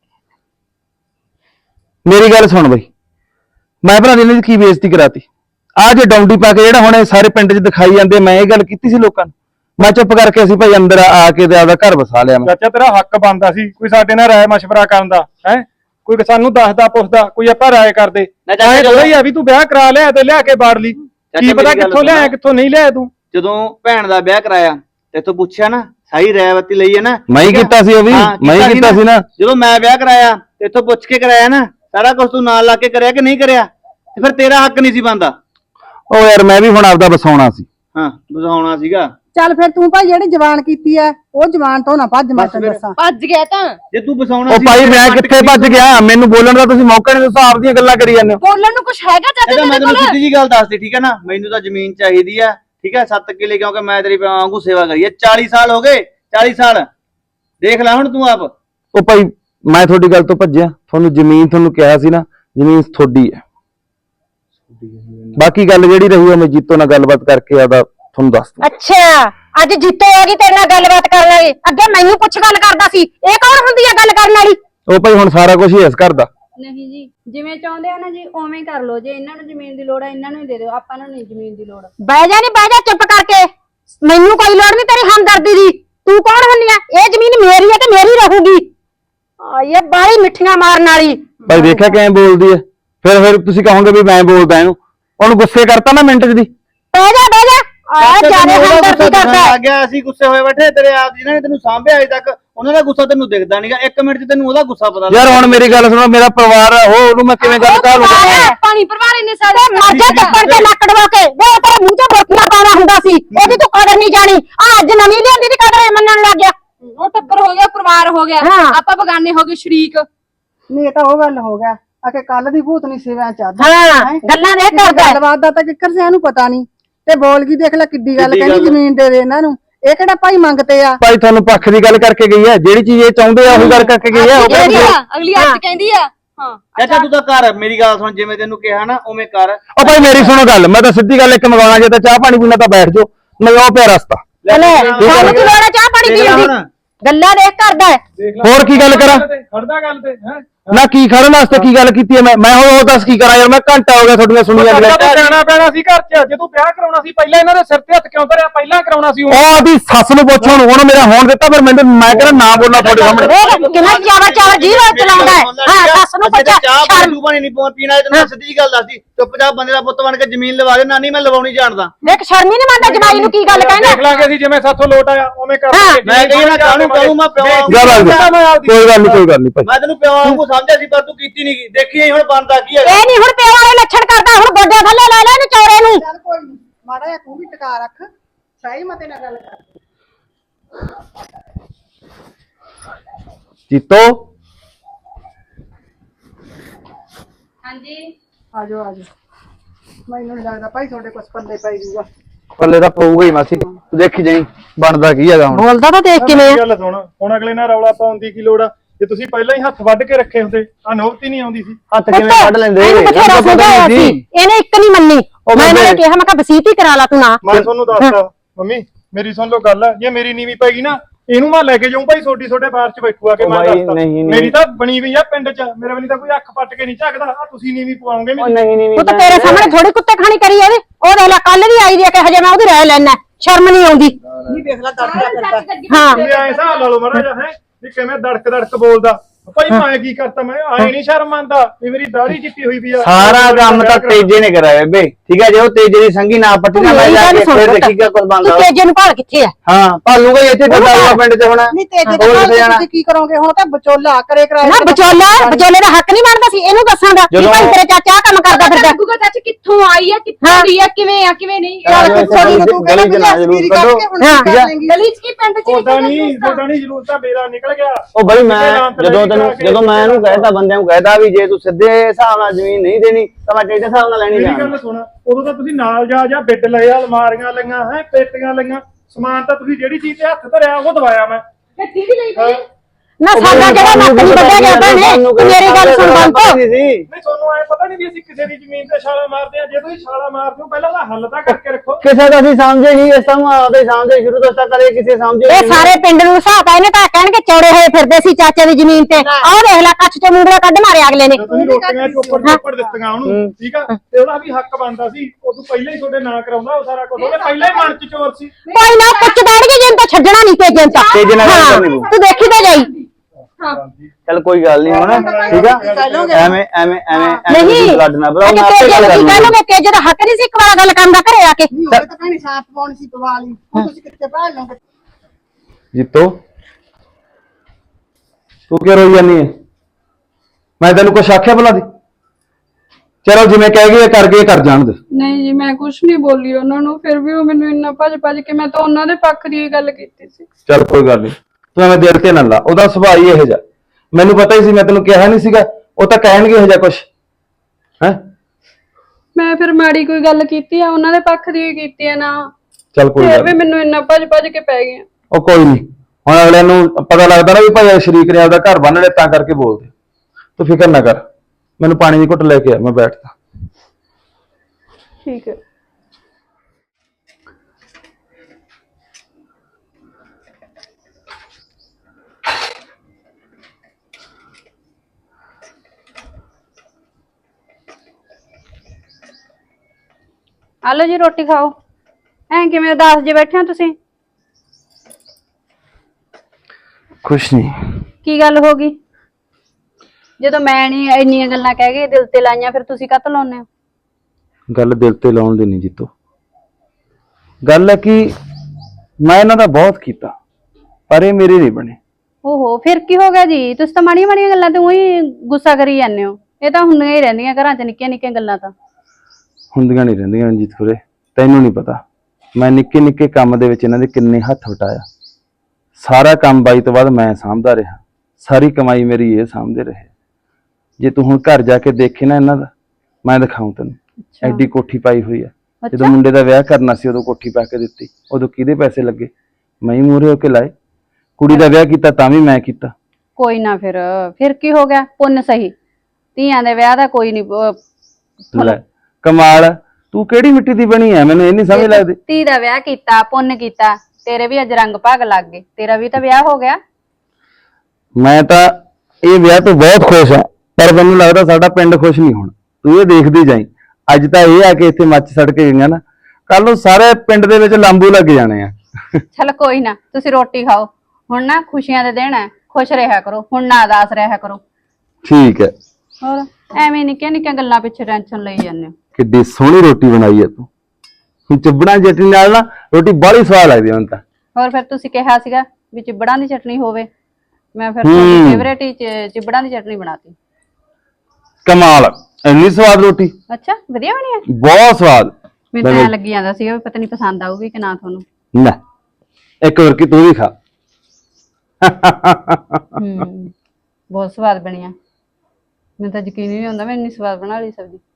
S6: ਮੇਰੀ ਗੱਲ ਸੁਣ ਬਈ, ਮੈਂ ਭਰਾ ਇਹਨਾਂ ਦੀ ਕੀ ਬੇਇੱਜ਼ਤੀ ਕਰਾਤੀ? ਆ ਜੇ ਡੌਂਡੀ ਪਾ ਕੇ ਜਿਹੜਾ ਹੁਣ ਇਹ ਸਾਰੇ ਪਿੰਡ 'ਚ ਦਿਖਾਈ ਜਾਂਦੇ, ਮੈਂ ਇਹ ਗੱਲ ਕੀਤੀ ਸੀ ਲੋਕਾਂ ਨੂੰ? ਮੈਂ ਚੁੱਪ ਕਰਕੇ ਅਸੀਂ ਭਾਈ ਅੰਦਰ ਆ ਕੇ ਤੇ ਆਪਦਾ ਘਰ ਵਸਾ ਲਿਆ। ਮੈਂ
S4: ਚਾਚਾ ਤੇਰਾ ਹੱਕ ਬਣਦਾ ਸੀ ਕੋਈ ਸਾਡੇ ਨਾਲ ਰਾਏ ਮਸ਼ਵਰਾ ਕਰਨ ਦਾ, ਹੈ ਕੋਈ ਸਾਨੂੰ ਦੱਸਦਾ ਪੁੱਛਦਾ, ਕੋਈ ਆਪਾਂ ਰਾਏ ਕਰਦੇ। ਐ ਥੋੜਾ ਹੀ ਆ ਵੀ ਤੂੰ ਵਿਆਹ ਕਰਾ ਲਿਆ ਤੇ ਲਿਆ ਕੇ ਬਾੜ ਲਈ, ਕੀ ਪਤਾ ਕਿੱਥੋਂ ਲਿਆਇਆ ਕਿੱਥੋਂ ਨਹੀਂ ਲਿਆਇਆ ਤੂੰ।
S7: ਜਦੋਂ ਭੈਣ ਦਾ ਵਿਆਹ ਕਰਾਇਆ ਤੇ ਤੂੰ ਪੁੱਛਿਆ ਨਾ, ਸਾਈ ਰਾਇਵਤੀ ਲਈ ਹੈ ਨਾ,
S6: ਮੈਂ ਹੀ ਕੀਤਾ ਸੀ, ਉਹ ਵੀ ਮੈਂ ਹੀ ਕੀਤਾ ਸੀ ਨਾ।
S7: ਜਦੋਂ ਮੈਂ ਵਿਆਹ ਕਰਾਇਆ ਤੇ ਇੱਥੋਂ ਪੁੱਛ ਕੇ ਕਰਾਇਆ ਨਾ, ਸਾਰਾ ਕੁਝ ਤੂੰ ਨਾਲ ਲਾ ਕੇ ਕਰਿਆ ਕਿ ਨਹੀਂ ਕਰਿਆ? ਤੇ ਫਿਰ ਤੇਰਾ ਹੱਕ ਨਹੀਂ ਸੀ ਬਣਦਾ।
S6: ਉਹ ਯਾਰ ਮੈਂ ਵੀ ਹੁਣ ਆਪਦਾ ਵਸਾਉਣਾ ਸੀ।
S7: ਹਾਂ ਵਸਾਉਣਾ ਸੀਗਾ,
S3: ਚੱਲ ਫਿਰ ਤੂੰ ਭਾਈ ਜਿਹੜੀ ਜਵਾਨ ਕੀਤੀ ਐ ਉਹ ਜਵਾਨ ਤੋਂ ਨਾ ਭੱਜ ਮੈਂ
S7: ਬਸ
S3: ਤੈਨੂੰ
S7: ਫਿਰ।
S3: ਦੱਸਾਂ।
S8: ਭੱਜ ਗਿਆ ਤਾਂ
S7: ਜੇ ਤੂੰ ਵਸਾਉਣਾ
S6: ਉਹ ਭਾਈ ਮੈਂ ਕਿੱਥੇ ਭੱਜ ਗਿਆ, ਮੈਨੂੰ ਬੋਲਣ ਦਾ ਤੁਸੀਂ ਮੌਕਾ ਨਹੀਂ ਦਿੱਤਾ, ਆਪਦੀਆਂ ਗੱਲਾਂ ਕਰੀ ਜਾਂਦੇ ਹੋ।
S8: ਬੋਲਣ ਨੂੰ ਕੁਝ ਹੈਗਾ ਚਾਚਾ
S7: ਇਹਦਾ ਮੈਂ
S8: ਤੇਰੇ
S7: ਤੈਨੂੰ
S8: ਕੋਲ?
S7: ਸਿੱਧੀ ਜੀ ਗੱਲ ਦੱਸਦੀ, ਠੀਕ ਹੈ ਨਾ, ਮੈਨੂੰ ਤਾਂ ਜ਼ਮੀਨ ਚਾਹੀਦੀ ਆ, ਠੀਕ ਹੈ 7 ਕਿੱਲੇ, ਕਿਉਂਕਿ ਮੈਂ ਤੇਰੀ ਪਿਓ ਵਾਂਗੂ ਸੇਵਾ ਕਰੀ ਹੈ 40 ਸਾਲ ਹੋ ਗਏ, 40 ਸਾਲ ਦੇਖ ਲੈ ਹੁਣ ਤੂੰ ਆਪ।
S6: ਉਹ ਭਾਈ ਮੈਂ ਤੁਹਾਡੀ ਗੱਲ ਤੋਂ ਭੱਜਿਆ, ਤੁਹਾਨੂੰ ਜ਼ਮੀਨ ਤੁਹਾਨੂੰ ਕਿਹਾ ਸੀ ਨਾ, ਜ਼ਮੀਨ ਤੁਹਾਡੀ ਹੈ। ਬਾਕੀ ਗੱਲ ਜਿਹੜੀ ਰਹੀ ਉਹ ਮੈਂ ਜੀਤੋ ਨਾਲ ਗੱਲਬਾਤ ਕਰਕੇ ਆਦਾ ਤੁਹਾਨੂੰ ਦੱਸ ਦੂੰ।
S9: ਅੱਛਾ ਅੱਜ ਜੀਤੋ ਆ ਗਈ ਤੇਰੇ ਨਾਲ ਗੱਲਬਾਤ ਕਰਨ ਵਾਲੀ, ਅੱਗੇ ਮੈਨੂੰ ਪੁੱਛ ਗੱਲ ਕਰਦਾ ਸੀ, ਇਹ ਕੌਣ ਹੁੰਦੀ ਆ ਗੱਲ ਕਰਨ ਵਾਲੀ?
S6: ਉਹ ਭਾਈ ਹੁਣ ਸਾਰਾ ਕੁਝ ਹੀ ਇਸ ਘਰ ਦਾ।
S2: ਨਹੀਂ ਜੀ, ਜਿਵੇਂ ਚਾਹੁੰਦੇ ਆ ਨਾ ਜੀ ਉਵੇਂ ਕਰ ਲਓ। ਜੇ ਇਹਨਾਂ ਨੂੰ ਜ਼ਮੀਨ ਦੀ ਲੋੜ ਆ ਇਹਨਾਂ ਨੂੰ ਹੀ ਦੇ ਦਿਓ, ਆਪਾਂ ਨੂੰ ਨਹੀਂ ਜ਼ਮੀਨ ਦੀ ਲੋੜ।
S9: ਬਹਿ ਜਾ, ਨਹੀਂ ਬਹਿ ਜਾ ਚੁੱਪ ਕਰਕੇ, ਮੈਨੂੰ ਕੋਈ ਲੋੜ ਨਹੀਂ ਤੇਰੀ ਹਮਦਰਦੀ ਦੀ। ਤੂੰ ਕੌਣ ਹੁੰਦੀ ਆ? ਇਹ ਜ਼ਮੀਨ ਮੇਰੀ ਹੈ ਤੇ ਮੇਰੀ ਰਹੂਗੀ। ਇਹ ਬਾਹਲੀ ਮਿੱਠੀਆਂ ਮਾਰਨ ਵਾਲੀ।
S6: ਭਾਈ ਦੇਖਿਆ ਕਿਵੇਂ ਬੋਲਦੀ ਹੈ, ਫਿਰ ਤੁਸੀਂ ਕਹੋਗੇ ਵੀ ਮੈਂ ਬੋਲਦਾ ਇਹਨੂੰ, ਉਹਨੂੰ ਗੁੱਸੇ ਕਰਤਾ ਨਾ ਮਿੰਟ 'ਚ ਦੀ।
S9: ਬਹਿ ਜਾ ਬਹਿ ਜਾ, ਆ ਜਾਰੇ ਹਮਦਰਦੀ ਕਰਦਾ।
S7: ਆ ਗਿਆ, ਅਸੀਂ ਗੁੱਸੇ ਹੋਏ ਬੈਠੇ, ਤੇਰੇ ਆਪ ਜਿਨ੍ਹਾਂ ਨੇ ਤੈਨੂੰ ਸਾਂਭਿਆ ਅਜੇ ਤੱਕ ਉਹਨਾਂ ਦਾ ਗੁੱਸਾ ਤੈਨੂੰ ਦਿਖਦਾ ਨਹੀਂਗਾ, 1 ਮਿੰਟ 'ਚ ਤੈਨੂੰ ਉਹਦਾ ਗੁੱਸਾ ਪਤਾ
S6: ਯਾਰ ਹੁਣ ਮੇਰੀ ਗੱਲ ਸੁਣੋ, ਮੇਰਾ ਪਰਿਵਾਰ ਆ ਉਹ, ਉਹਨੂੰ ਮੈਂ ਕਿਵੇਂ ਗੱਲ ਕਰ ਲੂੰਗਾ?
S8: ਪਾਣੀ ਭਰਵਾ ਲੈਨੇ ਸਾਰੇ।
S9: ਮਰ ਜਾ ਚੱਪੜ ਤੇ ਲੱਕ ਡਵਾ ਕੇ, ਵੇ ਤੇਰੇ ਮੂੰਹ 'ਚ ਬੋਤੀਆਂ ਪਾਉਣਾ ਹੁੰਦਾ ਸੀ, ਉਹਦੀ ਤੂੰ ਕਦਰ ਨਹੀਂ ਜਾਣੀ। ਆ ਅੱਜ ਨਵੀਂ ਲਿਆਂਦੀ ਦੀ ਕਦਰ ਮੰਨਣ ਲੱਗ ਗਿਆ।
S8: ਉਹ ਟੱਬਰ ਹੋ ਗਿਆ, ਪਰਿਵਾਰ ਹੋ ਗਿਆ,
S9: ਹਾਂ।
S8: ਆਪਾਂ ਬਗਾਨੇ ਹੋ ਗਏ, ਸ਼ਰੀਕ।
S3: ਨਹੀਂ ਇਹ ਤਾਂ ਉਹ ਗੱਲ ਹੋ ਗਿਆ ਆ ਕਿ ਕੱਲ ਦੀ ਭੂਤ ਨਹੀਂ ਸਿਵਿਆਂ ਚੱਦ।
S9: ਹਾਂ ਗੱਲਾਂ ਦੇ ਕਰਦਾ।
S3: ਗੱਲਬਾਤ ਦਾ ਤਾਂ ਕਿੱਕਰ ਸਿਆਂ ਨੂੰ ਪਤਾ ਨਹੀਂ, ਤੇ ਬੋਲ ਗਈ ਦੇਖ ਲੈ ਕਿੱਡੀ ਗੱਲ,
S7: ਕਿੱਡੀ
S3: ਕਹਿੰਦੀ
S7: ਗੱਲ।
S3: ਜ਼ਮੀਨ ਦੇ ਦੇ ਇਹਨਾਂ ਨੂੰ। ਇਹ ਕਿਹੜਾ ਭਾਈ ਮੰਗਤੇ ਆ?
S6: ਭਾਈ ਤੁਹਾਨੂੰ ਪੱਖ ਦੀ ਗੱਲ ਕਰਕੇ ਗਈ ਹੈ, ਜਿਹੜੀ ਚੀਜ਼ ਇਹ ਚਾਹੁੰਦੇ ਆ ਉਹੀ ਗੱਲ ਕਰਕੇ ਗਈ ਹੈ। ਉਹ
S8: ਕਹਿੰਦੀ
S6: ਕਹਿੰਦੀ
S8: ਆ, ਅਗਲੀ ਅੱਜ ਕਹਿੰਦੀ ਆ। ਹਾਂ
S7: ਚਾਚਾ ਤੂੰ ਤਾਂ ਘਰ ਮੇਰੀ ਗੱਲ ਸੁਣ, ਜਿਵੇਂ ਤੈਨੂੰ ਕਿਹਾ ਨਾ ਉਵੇਂ ਕਰ।
S6: ਉਹ ਭਾਈ ਮੇਰੀ ਸੁਣੋ ਗੱਲ, ਮੈਂ ਤਾਂ ਸਿੱਧੀ ਗੱਲ ਇੱਕ ਮੰਗਾਉਣਾ, ਜੇ ਤਾਂ ਚਾਹ ਪਾਣੀ ਪੀਣਾ ਤਾਂ ਬੈਠ ਜਾਓ, ਮੈਂ ਉਹ ਪਿਆ ਰਸਤਾ।
S9: ਚਲੇ ਸਾਨੂੰ ਕੀ ਲੋੜ ਹੈ ਚਾਹ ਪਾਣੀ ਪੀਣ ਦੀ? ਗੱਲਾਂ ਦੇਖ ਕਰਦਾ ਹੈ।
S6: ਹੋਰ ਕੀ ਗੱਲ ਕਰਾਂ?
S4: ਖੜਦਾ ਗੱਲ ਤੇ ਹੈ
S6: ਨਾ ਕੀ ਖੜਨ ਵਾਸਤੇ ਕੀ ਗੱਲ ਕੀਤੀ ਹੈ ਮੈਂ ਹੁਣ ਉਹ ਦੱਸ ਕੀ ਕਰਾਂ ਯਾਰ, ਮੈਂ ਘੰਟਾ ਹੋ ਗਿਆ ਤੁਹਾਡੀਆਂ ਸੁਣੀ ਜਾਂਦੇ।
S4: ਜਾਣਾ ਪੈਣਾ ਸੀ ਘਰ 'ਚ, ਜਦੋਂ ਵਿਆਹ ਕਰਾਉਣਾ ਸੀ ਪਹਿਲਾਂ ਇਹਨਾਂ ਦੇ ਸਿਰ ਤੇ ਹੱਥ ਕਿਉਂ ਧਰਿਆ? ਪਹਿਲਾਂ ਕਰਾਉਣਾ ਸੀ
S6: ਉਹ ਆਦੀ ਸੱਸ ਨੂੰ ਪੁੱਛੋ, ਉਹਨੂੰ ਮੇਰਾ ਹੋਣ ਦਿੱਤਾ, ਪਰ ਮੈਂ ਕਹਿੰਦਾ ਨਾ ਬੋਲਣਾ ਤੁਹਾਡੇ ਸਾਹਮਣੇ।
S9: ਕਿੰਨਾ ਚਾਵਾ ਜੀਵਾ ਚਲਾਉਂਦਾ ਹੈ। ਹਾਂ ਸੱਸ ਨੂੰ ਪੁੱਛ
S7: ਚਾਹ ਪਾਣੀ ਪਾਣੀ ਨਹੀਂ ਪੀਣਾ, ਤੈਨੂੰ ਸਿੱਧੀ ਗੱਲ ਦੱਸਦੀ, ਚੁੱਪਚਾਪ ਬੰਦੇ ਦਾ ਪੁੱਤ ਬਣ ਕੇ ਜ਼ਮੀਨ ਲਵਾ ਦੇ। ਨਾਨੀ ਮੈਂ ਲਵਾਉਣੀ ਜਾਣਦਾ।
S9: ਦੇਖ ਸ਼ਰਮ ਹੀ ਨਹੀਂ ਮੰਨਦਾ ਜਵਾਈ ਨੂੰ ਕੀ ਗੱਲ ਕਹਿੰਦਾ।
S4: ਦੇਖ ਲਾਂਗੇ ਅਸੀਂ ਜਿਵੇਂ ਸਾਥੋਂ ਲੋਟ ਆਇਆ ਉਵੇਂ ਕਰ
S9: ਹਾਂ।
S4: ਲਾਂਗੇ।
S7: ਮੈਂ ਕਹੀ ਨਾ ਕਾਹਨੂੰ ਕਹੂੰ, ਮੈਂ ਪਿਓ ਵਾਂਗੂ
S6: ਜਾ ਵਗ ਜਾ। ਕੋਈ ਗੱਲ ਨਹੀਂ ਭਾਈ।
S7: ਮੈਂ ਤੈਨੂੰ ਪਿਓ ਵਾਂਗੂ ਸਮਝਿਆ ਸੀ, ਪਰ ਤੂੰ ਕੀਤੀ ਨਹੀਂ। ਦੇਖੀ ਹੁਣ ਬਣਦਾ ਕੀ ਹੈ।
S9: ਇਹ ਨਹੀਂ ਹੁਣ ਪਿਓ ਵਾਲੇ ਲੱਛਣ ਕਰਦਾ, ਹੁਣ ਗੋਡੇ ਥੱਲੇ ਲੈ ਲੈ ਇਹਨੂੰ ਚੌਰੇ ਨੂੰ।
S3: ਚੱਲ ਕੋਈ ਨੀ, ਮਾੜਾ ਜਿਹਾ ਤੂੰ ਵੀ ਟਿਕਾ ਰੱਖ, ਸਹੀ ਮਤੇ ਨਾਲ ਗੱਲ ਕਰ।
S6: ਜੀਤੋ
S2: ਹਾਂਜੀ
S3: ਆਜੋ ਆਜੋ, ਮੈਨੂੰ ਨੀ ਲੱਗਦਾ ਭਾਈ ਤੁਹਾਡੇ ਕੁਛ ਪੱਲੇ ਪੈ ਜੂਗਾ।
S6: ਪੱਲੇ ਤਾਂ ਪਊਗਾ ਹੀ ਮਾਸੀ, ਤੂੰ ਦੇਖੀ ਜਾਈ ਬਣਦਾ ਕੀ ਹੈਗਾ ਹੁਣ।
S9: ਬੋਲਦਾ ਤਾਂ ਦੇਖ ਕਿਵੇਂ ਆ।
S4: ਗੱਲ ਸੁਣ, ਹੁਣ ਅਗਲੇ ਨਾਲ ਰੌਲਾ ਪਾਉਣ ਦੀ ਕੀ ਲੋੜ ਆ? ਜੇ ਤੁਸੀਂ ਪਹਿਲਾਂ ਹੀ ਹੱਥ ਵੱਢ ਕੇ ਰੱਖੇ ਹੁੰਦੇ ਆ ਨੌਬਤ ਹੀ ਨਹੀਂ ਆਉਂਦੀ ਸੀ।
S6: ਹੱਥ ਕਿਵੇਂ ਕੱਢ ਲੈਂਦੇ?
S9: ਇਹਨੂੰ ਬਥੇਰਾ ਸਮਝਾਇਆ ਸੀ, ਇਹਨੇ ਇੱਕ ਨਹੀਂ ਮੰਨੀ। ਮੈਂ ਇਹਨਾਂ ਨੂੰ ਕਿਹਾ, ਮੈਂ ਕਿਹਾ ਵਸੀਅਤ ਹੀ ਕਰਾ ਲਾ ਤੂੰ ਨਾ।
S4: ਮੈਂ ਤੁਹਾਨੂੰ ਦੱਸਦਾ ਮੰਮੀ, ਮੇਰੀ ਸੁਣ ਲਓ ਗੱਲ, ਜੇ ਮੇਰੀ ਨੀਵੀਂ ਪੈ ਗਈ ਨਾ, ਇਹਨੂੰ ਮੈਂ ਲੈ ਕੇ ਜਾਊਂ ਭਾਈ, ਛੋਟੇ ਬਾਹਰ ਚ ਬੈਠੂ ਆ ਕੇ। ਮੈਂ ਦੱਸਦਾ ਮੇਰੀ ਤਾਂ ਬਣੀ ਹੋਈ ਆ ਪਿੰਡ ਚ, ਮੇਰੇ ਵੱਲ ਤਾਂ ਕੋਈ ਅੱਖ ਪੱਟ ਕੇ ਨਹੀਂ ਝੱਕਦਾ। ਆ ਤੁਸੀਂ ਨੀਵੀਂ ਪਵਾਉਂਗੇ ਮੇਰੀ।
S9: ਉਹ ਤਾਂ ਤੇਰੇ ਸਾਹਮਣੇ ਥੋੜੀ ਕੁੱਤੇ ਖਾਣੀ ਕਰੀ ਇਹਦੇ। ਉਹ ਦੇਖ ਲੈ ਕੱਲ ਦੀ ਆਈ ਦੀ ਆ ਕਿ ਹਜੇ ਮੈਂ ਉਹਦੀ ਰਹਿ ਲੈਣਾ, ਸ਼ਰਮ ਨਹੀਂ ਆਉਂਦੀ।
S3: ਨਹੀਂ ਦੇਖ ਲੈ ਦਰਜਾ ਕਰਦਾ।
S9: ਹਾਂ
S4: ਤੁਸੀਂ ਐ ਹਿਸਾਬ ਲਾ ਲਓ ਮਾੜਾ ਜਿਹਾ, ਹੈ ਵੀ ਕਿਵੇਂ ਦੜਕ ਬੋਲਦਾ। ਭਾਈ ਮੈਂ ਕੀ ਕਰਤਾ? ਮੈਂ ਆਏ ਨਹੀਂ ਸ਼ਰਮ ਆਂਦਾ ਵੀ ਮੇਰੀ ਦਾੜੀ ਚਿੱਟੀ ਹੋਈ ਵੀ ਆ।
S7: ਸਾਰਾ ਕੰਮ ਤਾਂ ਤੇਜੇ ਨੇ ਕਰਾਇਆ ਬੇਬੇ, ਠੀਕ ਹੈ। ਜੇ ਉਹ ਤੇਜੇ ਦੀ ਸੰਗੀ ਨਾ ਪੱਟੀ ਨਾ, ਮੈਂ ਜਾ ਕੇ ਫੇਰ ਦੇਖੀਗਾ ਕੁਝ ਬਣਦਾ।
S9: ਤੇਜੇ ਨੂੰ ਭਾਲ ਕਿੱਥੇ ਆ?
S7: ਹਾਂ ਭਾਲੂਗਾ ਇੱਥੇ ਟੱਡਾ ਪਿੰਡ ਚ ਹੋਣਾ।
S3: ਨਹੀਂ ਤੇਜੇ ਦੇ ਨਾਲ ਤੁਸੀਂ ਕੀ ਕਰੋਗੇ? ਹੁਣ ਤਾਂ ਵਿਚੋਲਾ ਕਰੇ ਕਰਾਏ।
S9: ਨਾ ਵਿਚੋਲੇ ਦਾ ਹੱਕ ਨਹੀਂ ਬਣਦਾ ਸੀ ਇਹਨੂੰ ਦੱਸਾਂਗਾ ਕਿ ਭਾਈ ਤੇਰੇ ਚਾਚਾ ਕੰਮ ਕਰਦਾ ਫਿਰਦਾ।
S8: ਲੱਗੂਗਾ ਚਾਚੀ ਕਿੱਥੋਂ ਆਈ ਆ, ਕਿੱਥੋਂ ਦੀ ਆ, ਕਿਵੇਂ ਆ, ਕਿਵੇਂ ਨਹੀਂ।
S3: ਚੱਲ ਕਿੱਥੋਂ ਦੀ ਤੂੰ ਕਹਿੰਦਾ ਵੀ ਅਸਲੀਰੀ ਕਰਕੇ ਹੁਣ ਕੀ ਕਰ ਲੇਂਗੀ?
S8: ਗਲੀ ਚ ਕੀ ਪਿੰਡ ਚ
S4: ਉਹਦਾ ਨਹੀਂ ਜ਼ਰੂਰ ਤਾਂ ਮੇਰਾ ਨਿਕਲ ਗਿਆ।
S7: ਉਹ ਬਈ ਮੈਂ ਜਦੋਂ ਮੈਂ ਇਹਨੂੰ ਕਹਿਤਾ, ਬੰਦਿਆਂ ਨੂੰ ਕਹਿਤਾ ਵੀ ਜੇ ਤੂੰ ਸਿੱਧੇ ਹਿਸਾਬ ਨਾਲ ਜ਼ਮੀਨ ਨਹੀਂ ਦੇਣੀ ਤਾਂ ਮੈਂ ਟੇਢੇ ਹਿਸਾਬ ਨਾਲ ਲੈਣੀ
S4: ਮੇਰੀ
S7: ਜਾਣਾ।
S4: ਗੱਲ ਸੁਣ, ਉਦੋਂ ਤਾਂ ਤੁਸੀਂ ਨਾਲ ਜਾ ਬਿੱਡ ਲਏ, ਅਲਮਾਰੀਆਂ ਲਈਆਂ, ਹੈ ਪੇਟੀਆਂ ਲਈਆਂ, ਸਮਾਨ ਤਾਂ ਤੁਸੀਂ ਜਿਹੜੀ ਚੀਜ਼ ਤੇ ਹੱਥ ਧਰਿਆ ਉਹ ਦਵਾਇਆ ਮੈਂ।
S8: ਗੱਡੀ ਵੀ ਲਈ ਪਈ।
S9: ਨਾ ਸਾਡਾ ਜਿਹੜਾ ਨੱਕ ਨਹੀਂ ਵੱਢਿਆ ਗਿਆ ਭੈਣੇ, ਤੂੰ ਮੇਰੀ ਗੱਲ ਸੁਣ ਬੰਤੋ।
S4: ਨਹੀਂ ਤੁਹਾਨੂੰ ਐ ਪਤਾ ਨਹੀਂ ਵੀ ਅਸੀਂ ਕਿਸੇ ਦੀ ਜ਼ਮੀਨ ਤੇ ਛਾਲਾ ਮਾਰਦੇ ਆ? ਜੇ ਤੁਸੀਂ ਛਾਲਾ ਮਾਰਦੇ ਹੋ ਪਹਿਲਾਂ ਉਹਦਾ ਹੱਲ ਤਾਂ ਕਰਕੇ ਰੱਖੋ।
S7: ਕਿਸੇ ਦਾ ਅਸੀਂ ਸਮਝੇ ਨਹੀਂ, ਇਸ ਤਰ੍ਹਾਂ ਆਪਦੇ ਸਮਝੇ ਸ਼ੁਰੂ ਤੋਂ ਤੱਕ ਕਦੇ ਕਿਸੇ ਸਮਝੇ
S9: ਇਹ ਸਾਰੇ ਪਿੰਡ ਨੂੰ ਹਸਾਤਾ ਇਹਨੇ ਤਾਂ ਕਹਿਣਗੇ ਚੌੜੇ ਹੋਏ ਫਿਰਦੇ ਸੀ ਚਾਚੇ ਦੀ ਜ਼ਮੀਨ ਤੇ। ਆਹ ਦੇਖ ਲੈ ਕੱਛ ਚੋਂ ਮੁੰਗਲਾ ਕੱਢ ਮਾਰਿਆ ਅਗਲੇ ਨੇ।
S4: ਤੁਸੀਂ ਰੋਟੀਆਂ ਚੋਪੜ ਦਿੱਤੀਆਂ ਉਹਨੂੰ, ਠੀਕ ਆ, ਤੇ ਉਹਦਾ ਵੀ ਹੱਕ ਬਣਦਾ ਸੀ। ਉਹ ਤੋਂ ਪਹਿਲਾਂ ਹੀ ਤੁਹਾਡੇ ਨਾਂ ਕਰਾਉਂਦਾ ਉਹ ਸਾਰਾ ਕੁਝ, ਉਹਦੇ ਪਹਿਲਾਂ ਹੀ ਮਨ ਚ ਚੋਰ ਸੀ।
S9: ਕੋਈ ਨਾ ਪੁੱਛ ਬੈਠ ਜਿੰਨ ਤਾਂ ਛੱਡਣਾ ਨਹੀਂ ਤੇਜਨ ਤਾਂ।
S7: ਤੇਜੇ ਨਾਲ ਗੱਲ ਕਰਨੀ ਪਊ।
S9: ਤੂੰ ਦੇਖੀ ਤੇ ਜਾਈ।
S7: ਚੱਲ ਕੋਈ ਗੱਲ ਨਹੀਂ ਹੁਣ, ਠੀਕ ਆ। ਐਵੇਂ
S9: ਨਹੀਂ
S7: ਲੜਨਾ ਬਰਾ
S9: ਅਜੇ ਤੇਜੇ ਨੂੰ ਕੀ ਕਹਿ ਲੋਗੇ? ਤੇਜੇ ਦਾ ਹੱਕ ਨਹੀਂ ਸੀ ਇੱਕ ਵਾਰ ਗੱਲ ਕਰਨ ਦਾ ਘਰੇ ਆ ਕੇ।
S3: ਨਹੀਂ ਹੋਵੇ ਤਾਂ ਭੈਣੀ ਸਾਫ ਪਾਉਣੀ ਸੀ ਪਵਾ ਲਈ। ਹੁਣ ਤੁਸੀਂ ਕਿੱਥੇ ਭਾਲ ਲਓਗੇ?
S6: ਜੀਤੋ ਤੂੰ ਕਿਉਂ ਰੋਈ ਜਾਂਦੀ ਹੈ? ਮੈਂ ਤੈਨੂੰ ਕੁਛ ਆਖਿਆ ਭਲਾ ਦੀ? ਚਲੋ ਜਿਵੇਂ ਕਹਿ ਗਏ ਕਰ ਗਏ, ਕਰ ਜਾਣ ਦੇ।
S2: ਨਹੀਂ ਜੀ ਮੈਂ ਕੁਝ ਨਹੀਂ ਬੋਲੀ ਉਹਨਾਂ ਨੂੰ, ਫਿਰ ਵੀ ਉਹ ਮੈਨੂੰ ਇੰਨਾ ਭੱਜ ਕੇ, ਮੈਂ ਤਾਂ ਉਹਨਾਂ ਦੇ ਪੱਖ ਦੀ ਗੱਲ ਕੀਤੀ ਸੀ।
S6: ਚੱਲ ਕੋਈ ਗੱਲ ਨਹੀਂ, ਤੂੰ ਐਵੇਂ ਦਿਲ ਤੇ ਨਾ ਲਾ, ਉਹਦਾ ਸੁਭਾਅ ਹੀ ਇਹੋ ਜਿਹਾ। ਮੈਨੂੰ ਪਤਾ ਹੀ ਸੀ, ਮੈਂ ਤੈਨੂੰ ਕਿਹਾ ਨਹੀਂ ਸੀਗਾ ਉਹ ਤਾਂ ਕਹਿਣਗੇ ਇਹੋ ਜਿਹਾ ਕੁਛ ਹੈ।
S2: ਮੈਂ ਫਿਰ ਮਾੜੀ ਕੋਈ ਗੱਲ ਕੀਤੀ ਆ, ਉਹਨਾਂ ਦੇ ਪੱਖ ਦੀ ਕੀਤੀ ਆ ਨਾ,
S6: ਚੱਲ ਕੋਈ
S2: ਫਿਰ
S6: ਗੱਲ
S2: ਵੀ
S6: ਨੀ।
S2: ਮੈਨੂੰ ਇੰਨਾ ਭੱਜ ਕੇ ਪੈ ਗਿਆ।
S6: ਉਹ ਕੋਈ ਨਹੀਂ, ਹੁਣ ਅਗਲਿਆਂ ਨੂੰ ਪਤਾ ਲੱਗਦਾ ਨਾ ਵੀ ਭਾਈ ਸ਼ਰੀਕ ਨੇ ਆਪਦਾ ਘਰ ਬੰਨ ਲਿਆ ਤਾਂ ਕਰਕੇ ਬੋਲਦੇ। ਤੂੰ ਫਿਕਰ ਨਾ ਕਰ, ਮੈਨੂੰ ਪਾਣੀ ਦੀ ਘੁੱਟ ਲੈ ਕੇ ਆ, ਮੈਂ ਬੈਠਦਾ।
S2: ਠੀਕ ਹੈ। ਆ ਲਓ ਜੀ ਰੋਟੀ ਖਾਓ। ਐਂ ਕਿਵੇਂ ਉਦਾਸ ਜੇ ਬੈਠੇ ਹੋ ਤੁਸੀਂ?
S6: ਕੁਛ ਨਹੀਂ।
S2: ਕੀ ਗੱਲ ਹੋ ਗਈ? ਜਦੋਂ ਮੈਂ ਨਹੀਂ ਇੰਨੀਆਂ ਗੱਲਾਂ ਕਹਿ ਕੇ ਦਿਲ ਤੇ ਲਾਈਆਂ, ਫਿਰ ਤੁਸੀਂ ਕਾਹਤੋਂ ਲਾਉਂਦੇ ਹੋ?
S6: ਗੱਲ ਦਿਲ ਤੇ ਲਾਉਣ ਦੀ ਨਹੀਂ ਜੀਤੋ, ਗੱਲ ਹੈ ਕਿ ਮੈਂ ਇਹਨਾਂ ਦਾ ਬਹੁਤ ਕੀਤਾ ਪਰ ਇਹ ਮੇਰੇ ਨਹੀਂ ਬਣੇ।
S2: ਓਹੋ, ਫਿਰ ਕੀ ਹੋ ਗਿਆ ਜੀ? ਤੁਸੀਂ ਤਾਂ ਮਾੜੀਆਂ ਮਾੜੀਆਂ ਗੱਲਾਂ ਤੇ ਉਹੀ ਗੁੱਸਾ ਕਰੀ ਜਾਂਦੇ ਹੋ। ਇਹ ਤਾਂ ਹੁੰਦੀਆਂ ਹੀ ਰਹਿੰਦੀਆਂ ਘਰਾਂ 'ਚ, ਨਿੱਕੀਆਂ ਨਿੱਕੀਆਂ ਗੱਲਾਂ ਤਾਂ
S6: ਹੁੰਦੀਆਂ ਨਹੀਂ ਰਹਿੰਦੀਆਂ ਰਣਜੀਤ ਖੁਰੇ, ਤੈਨੂੰ ਨਹੀਂ ਪਤਾ ਮੈਂ ਨਿੱਕੇ ਨਿੱਕੇ ਕੰਮ ਦੇ ਵਿੱਚ ਇਹਨਾਂ ਦੇ ਕਿੰਨੇ ਹੱਥ ਵਟਾਇਆ। ਸਾਰਾ ਕੰਮ ਬਾਈ ਤੋਂ ਬਾਅਦ ਮੈਂ ਸਾਂਭਦਾ ਰਿਹਾ, ਸਾਰੀ ਕਮਾਈ ਮੇਰੀ ਇਹ ਸਾਂਭਦੇ ਰਹੇ। ਜੇ ਤੂੰ ਹੁਣ ਘਰ ਜਾ ਕੇ ਦੇਖੇ ਨਾ ਇਹਨਾਂ ਦਾ, ਮੈਂ ਦਿਖਾਉਂ ਤੈਨੂੰ। ਐਡੀ ਕੋਠੀ ਪਾਈ ਹੋਈ ਆ। ਜਦੋਂ ਮੁੰਡੇ ਦਾ ਵਿਆਹ ਕਰਨਾ ਸੀ ਉਦੋਂ ਕੋਠੀ ਪਾ ਕੇ ਦਿੱਤੀ, ਉਦੋਂ ਕਿਹਦੇ ਪੈਸੇ ਲੱਗੇ? ਮੈਂ ਹੀ ਮੂਹਰੇ ਹੋ ਕੇ ਲਾਏ। ਕੁੜੀ ਦਾ ਵਿਆਹ ਕੀਤਾ ਤਾਂ ਵੀ ਮੈਂ ਕੀਤਾ।
S2: ਕੋਈ ਨਾ, ਫਿਰ ਕੀ ਹੋ ਗਿਆ? ਪੁੰਨ ਸਹੀ, ਧੀਆਂ ਦੇ ਵਿਆਹ ਦਾ ਕੋਈ ਨਹੀਂ।
S6: ਲੈ ਕਮਾਲ, ਤੂੰ ਕਿਹੜੀ ਮਿੱਟੀ ਦੀ ਬਣੀ ਐ? ਮੈਨੂੰ ਇਹ ਨਹੀਂ ਸਮਝ ਲੱਗਦੀ।
S2: ਧੀ ਦਾ ਵਿਆਹ ਕੀਤਾ, ਪੁੰਨ ਕੀਤਾ, ਤੇਰੇ ਵੀ ਅੱਜ ਰੰਗ ਭਾਗ ਲੱਗ ਗਏ, ਤੇਰਾ ਵੀ ਤਾਂ ਵਿਆਹ ਹੋ ਗਿਆ।
S6: ਮੈਂ ਤਾਂ ਇਹ ਵਿਆਹ ਤੋਂ ਬਹੁਤ ਖੁਸ਼ ਹਾਂ, ਪਰ ਮੈਨੂੰ ਲੱਗਦਾ ਸਾਡਾ ਪਿੰਡ ਖੁਸ਼ ਨਹੀਂ ਹੋਣਾ। ਤੂੰ ਇਹ ਦੇਖਦੀ ਜਾਈਂ, ਅੱਜ ਤਾਂ ਇਹ ਆ ਕੇ ਇੱਥੇ ਮੱਚ ਸੜ ਕੇ ਗਈਆਂ ਨਾ, ਕੱਲ ਨੂੰ ਸਾਰੇ ਪਿੰਡ ਦੇ ਵਿੱਚ ਲਾਂਬੂ ਲੱਗ ਜਾਣੇ ਆ।
S2: ਚਲ ਕੋਈ ਨਾ, ਤੁਸੀਂ ਰੋਟੀ ਖਾਓ। ਹੁਣ ਨਾ ਖੁਸ਼ੀਆਂ ਦੇ ਦਿਨ ਹੈ, ਖੁਸ਼ ਰਿਹਾ ਕਰੋ, ਹੁਣ ਨਾ ਉਦਾਸ ਰਿਹਾ ਕਰੋ।
S6: ਠੀਕ ਹੈ।
S2: ਹੋਰ ਐਵੇਂ ਨਿੱਕੀਆਂ ਨਿੱਕੀਆਂ ਗੱਲਾਂ ਪਿੱਛੇ ਟੈਨਸ਼ਨ ਲਈ ਜਾਂਦੇ ਹੋ।
S6: ਕਿੱਡੀ ਸੋਹਣੀ ਰੋਟੀ ਬਣਾਈ ਹੈ ਤੂੰ, ਚਿਬੜਾਂ ਦੀ ਚਟਨੀ ਨਾਲ ਨਾ ਰੋਟੀ ਬੜੀ ਸਵਾਦ ਲੱਗਦੀ ਹੁਣ ਤਾਂ।
S2: ਹੋਰ ਫਿਰ ਤੁਸੀਂ ਕਿਹਾ ਸੀਗਾ ਵੀ ਚਿਬੜਾਂ ਦੀ ਚਟਨੀ ਹੋਵੇ, ਮੈਂ ਫਿਰ ਤੁਹਾਡੀ ਫੇਵਰੇਟ ਹੀ ਚਿਬੜਾਂ ਦੀ ਚਟਨੀ ਬਣਾਤੀ।
S6: ਕਮਾਲ, ਇੰਨੀ ਸਵਾਦ ਰੋਟੀ।
S2: ਅੱਛਾ, ਵਧੀਆ ਬਣੀ ਹੈ?
S6: ਬਹੁਤ ਸਵਾਦ।
S2: ਮੈਨੂੰ ਤਾਂ ਐਂ ਲੱਗੀ ਜਾਂਦਾ ਸੀਗਾ ਵੀ ਪਤਾ ਨਹੀਂ ਪਸੰਦ ਆਊਗੀ ਕਿ ਨਾ ਤੁਹਾਨੂੰ।
S6: ਲੈ ਇੱਕ ਵਾਰ ਕੀ ਤੂੰ ਵੀ ਖਾ।
S2: ਬਹੁਤ ਸਵਾਦ ਬਣੀ ਆ। ਮੈਨੂੰ ਤਾਂ ਯਕੀਨ ਹੀ ਨਹੀਂ ਹੁੰਦਾ ਮੈਂ ਇੰਨੀ ਸਵਾਦ ਬਣਾ ਲਈ ਸਬਜ਼ੀ।